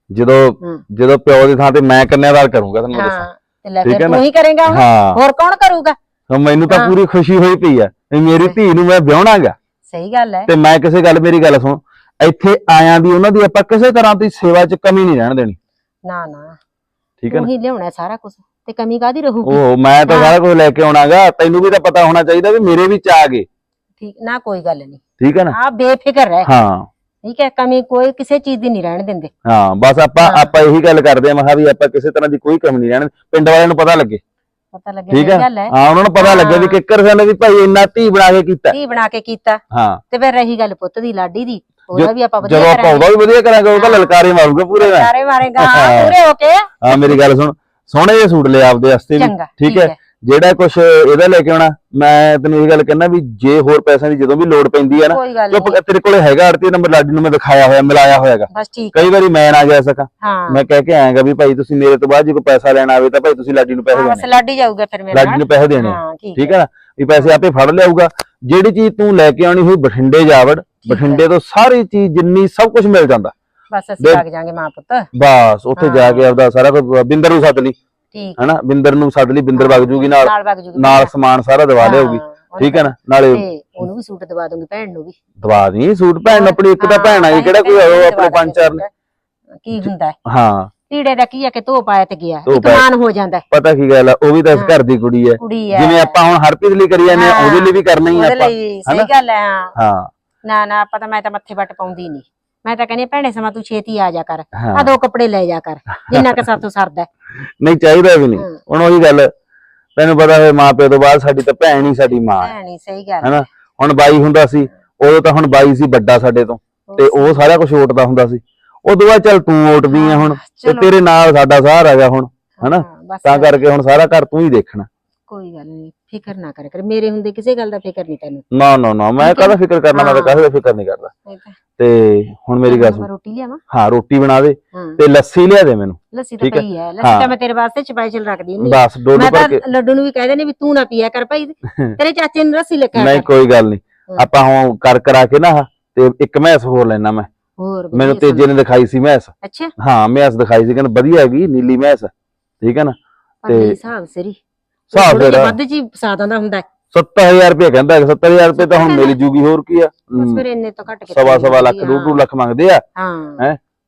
ਜਦੋਂ ਪਿਓ ਦੀ ਥਾਂ ਤੇ ਮੈਂ ਕੰਨਿਆਦਾਰ ਕਰੂੰਗਾ, ਤੈਨੂੰ ਦੱਸਾਂ।
ਹਾਂ ਤੇ ਲੈ
ਠੀਕ
ਫਿਰ
ਹੈ ਨਾ?
ਤੂੰ ਹੀ ਕਰੇਂਗਾ ਹੁਣ,
ਹਾਂ,
ਹੋਰ ਕੌਣ ਕਰੂਗਾ?
ਮੈਨੂੰ ਤਾਂ
ਹਾਂ।
ਪੂਰੀ ਖੁਸ਼ੀ ਹੋਈ ਪਈ ਆ ਵੀ ਮੇਰੀ ਧੀ ਨੂੰ ਮੈਂ ਵਿਆਹਣਾਗਾ,
ਸਹੀ ਗੱਲ ਹੈ।
ਤੇ ਮੈਂ ਕਿਸੇ ਗੱਲ, ਮੇਰੀ ਗੱਲ ਸੁਣ, ਇੱਥੇ ਆਇਆਂ ਦੀ ਉਹਨਾਂ ਦੀ ਆਪਾਂ ਕਿਸੇ ਤਰ੍ਹਾਂ ਦੀ ਸੇਵਾ 'ਚ ਕਮੀ ਨਹੀਂ ਰਹਿਣ ਦੇਣੀ,
ਨਾ ਨਾ,
ਠੀਕ ਹੈ
ਤੂੰ
ਨਾ?
ਹੀ ਲਿਆਉਣਾ ਸਾਰਾ ਕੁਝ, ਤੇ ਕਮੀ ਕਾਦੀ ਰਹੂਗੀ?
ਉਹ ਮੈਂ ਤਾਂ
ਹਾਂ।
ਸਾਰਾ ਕੁਝ ਲੈ ਕੇ ਆਉਣਾਗਾ, ਤੈਨੂੰ ਵੀ ਤਾਂ ਪਤਾ ਹੋਣਾ ਚਾਹੀਦਾ ਵੀ ਮੇਰੇ ਵੀ ਚਾਹ ਗਏ,
ਠੀਕ ਨਾ, ਕੋਈ ਗੱਲ ਨਹੀਂ,
ਠੀਕ ਹੈ ਨਾ?
ਆ ਬੇਫਿਕਰ ਰਹਿ,
ਹਾਂ
ਠੀਕ ਹੈ। ਕਮੀ ਕੋਈ ਕਿਸੇ ਚੀਜ਼ ਦੀ ਨਹੀਂ ਰਹਿਣ ਦਿੰਦੇ।
ਹਾਂ, ਬਸ ਆਪਾਂ
ਹਾਂ।
ਆਪਾਂ ਇਹੀ ਗੱਲ ਕਰਦੇ ਆ, ਮੈਂ ਕਿਹਾ ਵੀ ਆਪਾਂ ਕਿਸੇ ਤਰ੍ਹਾਂ ਦੀ ਕੋਈ ਕਮੀ ਨਹੀਂ ਰਹਿਣ, ਪਿੰਡ ਵਾਲਿਆਂ ਨੂੰ ਪਤਾ ਲੱਗੇ,
ਪਤਾ ਲੱਗੇ,
ਠੀਕ
ਸਹੀ
ਹੈ।
ਗੱਲ ਹੈ।
ਹਾਂ, ਉਹਨਾਂ ਨੂੰ ਪਤਾ ਲੱਗੇ ਵੀ
ਹਾਂ।
ਕਿੱਕਰ ਸਿੰਘ ਨੇ ਵੀ ਭਾਈ ਇੰਨਾ ਧੀ ਬਣਾ ਕੇ ਕੀਤਾ।
ਧੀ ਬਣਾ ਕੇ ਕੀਤਾ,
ਹਾਂ,
ਤੇ ਫਿਰ ਰਹੀ ਗੱਲ ਪੁੱਤ ਦੀ, ਲਾਡੀ ਦੀ, ਉਹਦਾ ਵੀ ਆਪਾਂ
ਜਦੋਂ
ਵਧੀਆ
ਆਪਾਂ ਉਹਦਾ ਵੀ ਵਧੀਆ ਕਰਾਂਗੇ, ਉਹ ਤਾਂ ਲਲਕਾਰੇ ਮਾਰੂਗਾ ਪੂਰੇ ਮੈਂ।
ਸਾਰੇ ਮਾਰੇਗਾ
ਹਾਂ।
ਪੂਰੇ ਹੋ ਕੇ।
ਹਾਂ, ਮੇਰੀ ਗੱਲ ਸੁਣ, ਸੋਹਣੇ ਜਿਹੇ ਸੂਟ ਲੈ ਆਪਦੇ ਵਾਸਤੇ ਵੀ,
ਚੰਗਾ,
ਠੀਕ ਹੈ। ਜਿਹੜਾ ਕੁਛ ਇਹਦਾ ਲੈ ਕੇ ਆਉਣਾ, ਮੈਂ ਤੈਨੂੰ ਇਹ ਗੱਲ ਕਹਿਣਾ ਵੀ ਜੇ ਹੋਰ ਪੈਸਿਆਂ ਦੀ ਜਦੋਂ ਵੀ ਲੋੜ ਪੈਂਦੀ ਹੈ ਨਾ,
ਕੋਈ ਗੱਲ
ਚੁੱਪ
ਨਹੀਂ,
ਤੇਰੇ ਕੋਲੇ ਹੈਗਾ ਆੜਤੀ ਨੰਬਰ, ਲਾਡੀ ਨੂੰ ਮੈਂ ਦਿਖਾਇਆ ਹੋਇਆ, ਮਿਲਾਇਆ ਹੋਇਆਗਾ।
ਬਸ ਠੀਕ,
ਕਈ ਵਾਰੀ ਮੈਂ ਨਾ ਜਾ ਸਕਾਂ,
ਹਾਂ
ਮੈਂ ਕਹਿ ਕੇ ਆਇਆਗਾ ਵੀ ਭਾਈ ਤੁਸੀਂ ਮੇਰੇ ਤੋਂ ਬਾਅਦ ਜੇ ਕੋਈ ਪੈਸਾ ਲੈਣਾ ਆਵੇ ਤਾਂ ਭਾਈ ਤੁਸੀਂ ਲਾਡੀ ਨੂੰ ਪੈਸੇ
ਹਾਂ, ਬਸ
ਦੇਣੇ,
ਲਾਡੀ ਜਾਊਗਾ ਫਿਰ ਮੇਰੇ
ਲਾਡੀ
ਨਾਲ।
ਨੂੰ ਪੈਸੇ ਦੇਣੇ,
ਹਾਂ
ਠੀਕ ਹੈ ਨਾ? ਵੀ ਪੈਸੇ ਆਪੇ ਫੜ ਲਿਆਊਗਾ। ਜਿਹੜੀ ਚੀਜ਼ ਤੂੰ ਲੈ ਕੇ ਆਉਣੀ ਹੋਈ ਬਠਿੰਡੇ ਜਾਵੜ,
ਹੈ।
ਬਠਿੰਡੇ ਤੋਂ ਸਾਰੀ ਚੀਜ਼ ਜਿੰਨੀ ਸਭ ਕੁਝ ਮਿਲ ਜਾਂਦਾ।
ਬਸ ਅਸੀਂ
ਦੇਖ-
ਲੱਗ ਜਾਾਂਗੇ ਮਾਂ ਪੁੱਤ,
ਬਸ ਉੱਥੇ ਜਾ
ਹਾਂ।
ਕੇ ਆਪਦਾ ਸਾਰਾ ਕੁਝ, ਬਿੰਦਰ ਨੂੰ ਸੱਦ ਲਈ,
ਠੀਕ
ਹਨਾ? ਬਿੰਦਰ ਨੂੰ ਸੱਦ ਲਈ, ਬਿੰਦਰ ਵਗ ਜੂਗੀ ਨਾਲ,
ਵਗ ਜੂਗੀ
ਨਾਲ ਸਮਾਨ ਸਾਰਾ ਦਵਾ ਲਿਆਊਗੀ, ਠੀਕ ਹੈ ਨਾ? ਨਾਲੇ
ਤੇ ਉਹਨੂੰ ਵੀ ਸੂਟ ਦਵਾ ਦੂੰਗੀ, ਭੈਣ ਨੂੰ ਵੀ
ਦਵਾ ਦੀ ਸੂਟ, ਭੈਣ ਆਪਣੀ ਇੱਕ ਤਾਂ ਭੈਣ ਆਈ, ਕਿਹੜਾ ਕੋਈ ਆਓ ਆਪਣੇ ਪੰਜ ਚਾਰ ਨੇ।
ਕੀ ਹੁੰਦਾ ਹੈ?
ਹਾਂ,
ਲੀੜੇ ਦਾ ਕੀ ਆ ਕਿ ਧੋ ਪਾਇਆ ਤੇ ਗਿਆ,
ਧੋ
ਇੱਕ
ਪਾਇਆ।
ਮਾਨ ਹੋ ਜਾਂਦਾ ਹੈ।
ਪਤਾ ਕੀ ਗੱਲ ਆ, ਉਹ ਵੀ ਤਾਂ ਇਸ ਘਰ ਦੀ ਕੁੜੀ ਹੈ,
ਕੁੜੀ ਹੈ,
ਜਿਵੇਂ ਆਪਾਂ ਹੁਣ ਹਰਪ੍ਰੀਤ ਲਈ ਕਰੀ ਜਾਂਦੇ ਆ, ਉਹਦੇ ਲਈ ਵੀ ਕਰਨਾ ਹੀ ਆ
ਉਹਦੇ
ਆਪਾਂ,
ਲਈ
ਹਨਾ?
ਸਹੀ ਗੱਲ ਹੈ। ਹਾਂ
ਹਾਂ
ਨਾ ਨਾ, ਆਪਾਂ ਤਾਂ, ਮੈਂ ਤਾਂ ਮੱਥੇ ਵੱਟ ਪਾਉਂਦੀ ਨਹੀਂ, ਮੈਂ ਤਾਂ ਕਹਿੰਦੀ ਭੈਣੇ ਸਮਾਂ ਤੂੰ ਛੇਤੀ ਆ ਜਾ ਕਰ,
ਹਾਂ।
ਆ 2 ਕੱਪੜੇ ਲੈ ਜਾ ਕਰ, ਜਿੰਨਾ ਕਿ ਸਾਥੋਂ ਸਰਦਾ ਹੈ।
ਨਹੀਂ ਚਾਹੀਦਾ ਵੀ ਨਹੀਂ,
ਹਾਂ।
ਹੁਣ ਉਹੀ ਗੱਲ, ਤੈਨੂੰ ਪਤਾ ਹੈ ਮਾਂ ਪਿਓ ਤੋਂ ਬਾਅਦ ਸਾਡੀ ਤਾਂ ਭੈਣ ਹੀ ਸਾਡੀ ਮਾਂ ਹੈ,
ਭੈਣ ਹੀ, ਸਹੀ ਗੱਲ
ਹਨਾ? ਹੁਣ ਬਾਈ ਹੁੰਦਾ ਸੀ, ਉਦੋਂ ਤਾਂ ਹੁਣ ਬਾਈ ਸੀ ਵੱਡਾ ਸਾਡੇ ਤੋਂ, ਤੇ ਉਹ ਸਾਰਾ ਕੁਝ ਓਟਦਾ ਹੁੰਦਾ ਸੀ। ਉਦੋਂ ਬਾਅਦ ਚੱਲ ਤੂੰ ਓਟਦੀ ਆ ਹੁਣ, ਤੇ
ਚਲੋ।
ਤੇਰੇ ਨਾਲ ਸਾਡਾ ਸਹਾਰਾ ਹੈਗਾ ਹੁਣ, ਹਨਾ?
ਹਾਂ, ਬਸ
ਤਾਂ ਕਰਕੇ ਹੁਣ ਸਾਰਾ ਘਰ ਤੂੰ ਹੀ ਦੇਖਣਾ।
ਕੋਈ ਗੱਲ ਨਹੀਂ, ਫਿਕਰ ਨਾ ਕਰ ਕਰ, ਮੇਰੇ ਹੁੰਦੇ ਕਿਸੇ ਗੱਲ ਦਾ ਫਿਕਰ ਨਹੀਂ ਤੈਨੂੰ।
ਨਾ ਨਾ ਨਾ, ਮੈਂ ਕਾਹਦਾ ਫਿਕਰ ਕਰਨਾ, ਮੈਂ ਤਾਂ ਕਾਹਦਾ ਫਿਕਰ ਨਹੀਂ ਕਰਦਾ।
ਇਹ ਤਾਂ-
ਤੇ ਹੁਣ ਮੇਰੀ ਗੱਲ
ਮੈਂ
ਸੁਣ,
ਰੋਟੀ ਲਿਆਵਾਂ?
ਹਾਂ ਰੋਟੀ ਬਣਾ ਦੇ
ਹਾਂ,
ਤੇ ਲੱਸੀ ਲਿਆ ਦੇ ਮੈਨੂੰ,
ਲੱਸੀ ਤਾਂ
ਠੀਕ ਹੈ।
ਪਈ ਹੈ, ਲੱਸੀ
ਹਾਂ।
ਤਾਂ ਮੈਂ ਤੇਰੇ ਵਾਸਤੇ ਸਪੈਸ਼ਲ ਰੱਖਦੀ ਹੁੰਦੀ।
ਬਸ ਡੋਲੂ
ਮੈਂ
ਭਰ
ਤਾਂ
ਕੇ।
ਲੱਡੂ ਨੂੰ ਵੀ ਕਹਿ ਦੇਣੀ ਵੀ ਤੂੰ ਨਾ ਪੀਆ ਕਰ ਭਾਈ, ਤੇਰੇ ਚਾਚੇ ਨੂੰ ਲੱਸੀ ਲਿਖਿਆ
ਨਹੀਂ
ਕਰ।
ਕੋਈ ਗੱਲ ਨਹੀਂ,
ਹਾਂ।
ਆਪਾਂ ਹੁਣ ਕਰਾ ਕੇ ਨਾ ਤੇ ਇੱਕ ਮੈਸ ਹੋਰ ਲੈਣਾ ਮੈਂ,
ਹੋਰ ਵਧੀਆ
ਮੈਨੂੰ ਤੇਜੇ ਨੇ ਦਿਖਾਈ ਸੀ ਮੈਸ।
ਅੱਛਾ,
ਹਾਂ ਮੈਸ ਦਿਖਾਈ ਸੀ, ਕਹਿੰਦਾ ਵਧੀਆ ਹੈਗੀ ਨੀਲੀ ਮੈਸ, ਠੀਕ ਹੈ ਨਾ?
ਪਰ ਨਹੀਂ ਹਿਸਾਬ ਸਿਰੀ,
ਹਿਸਾਬ
ਥੋੜ੍ਹਾ ਜਿਹਾ
ਤੇਰਾ
ਵੱਧ ਜੀ ਫਸਾਦਾਂ ਦਾ ਹੁੰਦਾ ਹੈ।
70000 ਰੁਪਏ ਕਹਿੰਦਾ, 70000 ਰੁਪਏ ਤਾਂ ਹੁਣ ਮਿਲ ਜੂਗੀ, ਹੋਰ ਕੀ ਆ?
ਬਸ ਫਿਰ ਇੰਨੇ ਤੋਂ ਘੱਟ ਕੇ
ਸਵਾ ਲੱਖ, 2 ਲੱਖ ਮੰਗਦੇ ਆ,
ਹਾਂ
ਹੈਂ?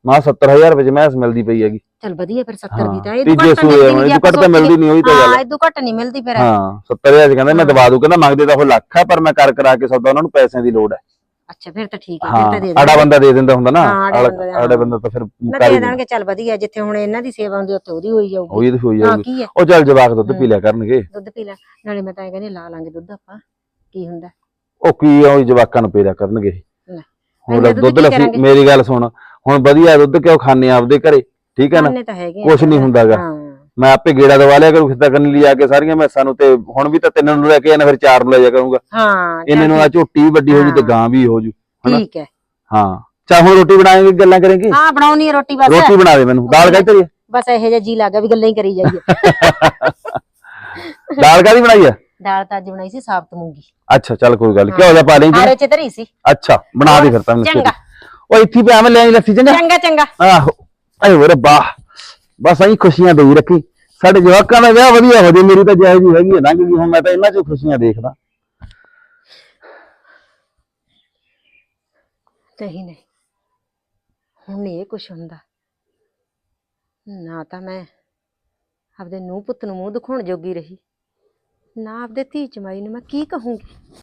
ਮਾਂ 70000 ਰੁਪਏ ਚ ਮੈਸ ਮਿਲਦੀ ਪਈ ਹੈਗੀ।
ਚੱਲ ਵਧੀਆ ਫਿਰ 70 ਦੀ ਤਾਂ
ਹਾਂ,
ਇਹ
ਤੀਜੇ
ਘੱਟ
ਸੂਏ
ਮਿਲਦੀ
ਹੁਣ
ਨੀ,
ਇਹ ਘੱਟ ਤਾਂ ਮਿਲਦੀ ਨਹੀਂ, ਉਹੀ ਤਾਂ ਗੱਲ
ਹਾਂ
ਹੈ।
ਇਹ ਘੱਟ ਨਹੀਂ ਮਿਲਦੀ ਫਿਰ।
ਹਾਂ 70000 ਚ ਕਹਿੰਦਾ ਮੈਂ ਦਵਾ ਦੂ, ਕਹਿੰਦਾ ਮੰਗਦੇ ਤਾਂ ਉਹ ਲੱਖ ਹੈ, ਪਰ ਮੈਂ ਕਰ ਕਰਾ ਕੇ ਸੌਦਾ, ਉਹਨਾਂ ਨੂੰ ਪੈਸਿਆਂ ਦੀ ਲੋੜ ਹੈ।
ਅੱਛਾ ਫਿਰ ਤਾਂ ਠੀਕ ਹੈ, ਫਿਰ
ਹਾਂ
ਤਾਂ ਦੇ
ਆੜਾ
ਦੇਣਗੇ।
ਬੰਦਾ ਦੇ ਦਿੰਦਾ ਹੁੰਦਾ ਨਾ,
ਹਾਂ, ਆੜਾ ਬੰਦਾ,
ਆੜਾ ਬੰਦਾ ਤਾਂ ਫਿਰ
ਨਾ
ਕਰ
ਦੇ
ਹੀ ਦਿੰਦਾ।
ਦੇਣਗੇ। ਚੱਲ ਵਧੀਆ, ਜਿੱਥੇ ਹੁਣ ਇਹਨਾਂ ਦੀ ਸੇਵਾ ਹੁੰਦੀ ਉੱਥੇ ਉਹਦੀ ਹੋਈ ਜਾਊਗੀ।
ਉਹੀ ਤਾਂ ਹੋਈ
ਹਾਂ
ਜਾਊਗੀ।
ਕੀ ਹੈ,
ਉਹ ਚੱਲ ਜਵਾਕ ਦੁੱਧ ਪੀ ਲਿਆ ਕਰਨਗੇ।
ਦੁੱਧ ਪੀ ਲੈ, ਨਾਲੇ ਮੈਂ ਤਾਂ ਇਹ ਕਹਿੰਦੀ ਲਾ ਲਾਂਗੇ ਦੁੱਧ ਆਪਾਂ, ਕੀ ਹੁੰਦਾ।
ਉਹ ਕੀ ਆ, ਉਹ ਜਵਾਕਾਂ ਨੂੰ ਪੀ ਲਿਆ ਕਰਨਗੇ।
ਲੈ,
ਹੁਣ
ਇੰਨਾ
ਦੁੱਧ
ਕੀ
ਲੱਸੀ,
ਕਰਾਂਗੇ?
ਮੇਰੀ ਗੱਲ ਸੁਣ, ਹੁਣ ਵਧੀਆ ਦੁੱਧ ਕਿਉਂ ਖਾਣੇ ਆਪਦੇ ਘਰੇ, ਠੀਕ ਹੈ ਨਾ,
ਖਾਣੇ ਤਾਂ ਹੈਗੇ ਆ,
ਕੁਛ ਨਹੀਂ ਹੁੰਦਾਗਾ।
ਹਾਂ
ਮੈਂ ਆਪੇ ਗੇੜਾ ਦਵਾ ਲਿਆ ਕਰੂ, ਖਿੱਤਾ ਕਰਨ ਲਈ ਆ ਕੇ ਸਾਰੀਆਂ ਮੈਸਾਂ ਨੂੰ, ਤੇ ਹੁਣ ਵੀ ਤਾਂ 3 ਨੂੰ ਲੈ ਕੇ ਆਣਾ, ਫਿਰ 4 ਨੂੰ ਲੈ ਜਾ ਕਰੂੰਗਾ।
ਹਾਂ
ਇਹਨੇ ਨੂੰ ਆ ਝੋਟੀ ਵੀ ਵੱਡੀ ਹੋ ਜੂ ਤੇ
ਹਾਂ।
ਗਾਂ ਵੀ ਹੋ ਜੂ। ਹਨਾ?
ਠੀਕ ਹੈ।
ਹਾਂ ਚੱਲ ਹੁਣ ਰੋਟੀ ਬਣਾਏਂਗੇ, ਗੱਲਾਂ ਕਰਾਂਗੇ।
ਹਾਂ ਬਣਾਉਣੀ ਹੈ ਰੋਟੀ, ਬਸ
ਰੋਟੀ ਬਣਾ ਦੇ ਮੈਨੂੰ। ਦਾਲ ਕਾਹਦੀ ਧਰੀ ਹੈ?
ਬਸ ਇਹੋ ਜਿਹਾ ਜੀ ਲੱਗਾ ਵੀ ਗੱਲਾਂ ਹੀ ਕਰੀ ਜਾਈਏ।
ਦਾਲ ਕਾਹਦੀ ਬਣਾਈ ਹੈ?
ਦਾਲ ਤਾਂ ਅੱਜ ਬਣਾਈ ਸੀ ਸਾਬਤ ਮੂੰਗੀ।
ਅੱਛਾ ਚੱਲ ਕੋਈ ਗੱਲ ਨੀ, ਘਿਓ ਦਾ ਪਾ ਲੇਂਗੇ।
ਆਰੇ ਚ ਧਰੀ ਸੀ।
ਅੱਛਾ ਬਣਾ ਦੇ ਫਿਰ ਤਾਂ ਮੈਨੂੰ।
ਚੰਗਾ
ਉਹ ਇੱਥੇ ਪਿਆ ਮੈਂ ਲੈ ਆਈ ਲੱਸੀ, ਚੰਗਾ।
ਚੰਗਾ ਚੰਗਾ।
ਆਹੋ ਆਏ ਹੋਰੇ ਬਾਹ, ਬਸ ਐਂ ਖੁਸ਼ੀਆਂ ਦੇਈ ਰੱਖੀ, ਸਾਡੇ ਜਵਾਕਾਂ ਦਾ ਵਿਆਹ ਵਧੀਆ ਹੋ ਜੇ। ਮੇਰੀ ਤਾਂ ਜਾਇਜ਼ ਹੀ ਹੈਗੀ ਹੈ, ਲੰਘ ਗਈ, ਹੁਣ ਮੈਂ ਤਾਂ ਇਹਨਾਂ ਚੋਂ ਖੁਸ਼ੀਆਂ ਦੇਖਦਾ।
ਨਹੀਂ ਨਹੀਂ, ਹੁਣ ਨਹੀਂ ਇਹ ਕੁਛ ਹੁੰਦਾ। ਨਾ ਤਾਂ ਮੈਂ ਆਪਦੇ ਨੂੰਹ ਪੁੱਤ ਨੂੰ ਮੂੰਹ ਦਿਖਾਉਣ ਜੋਗੀ ਰਹੀ, ਨਾ ਆਪਦੇ ਧੀ ਚਮਾਈ ਨੂੰ ਮੈਂ ਕੀ ਕਹੂੰਗੀ।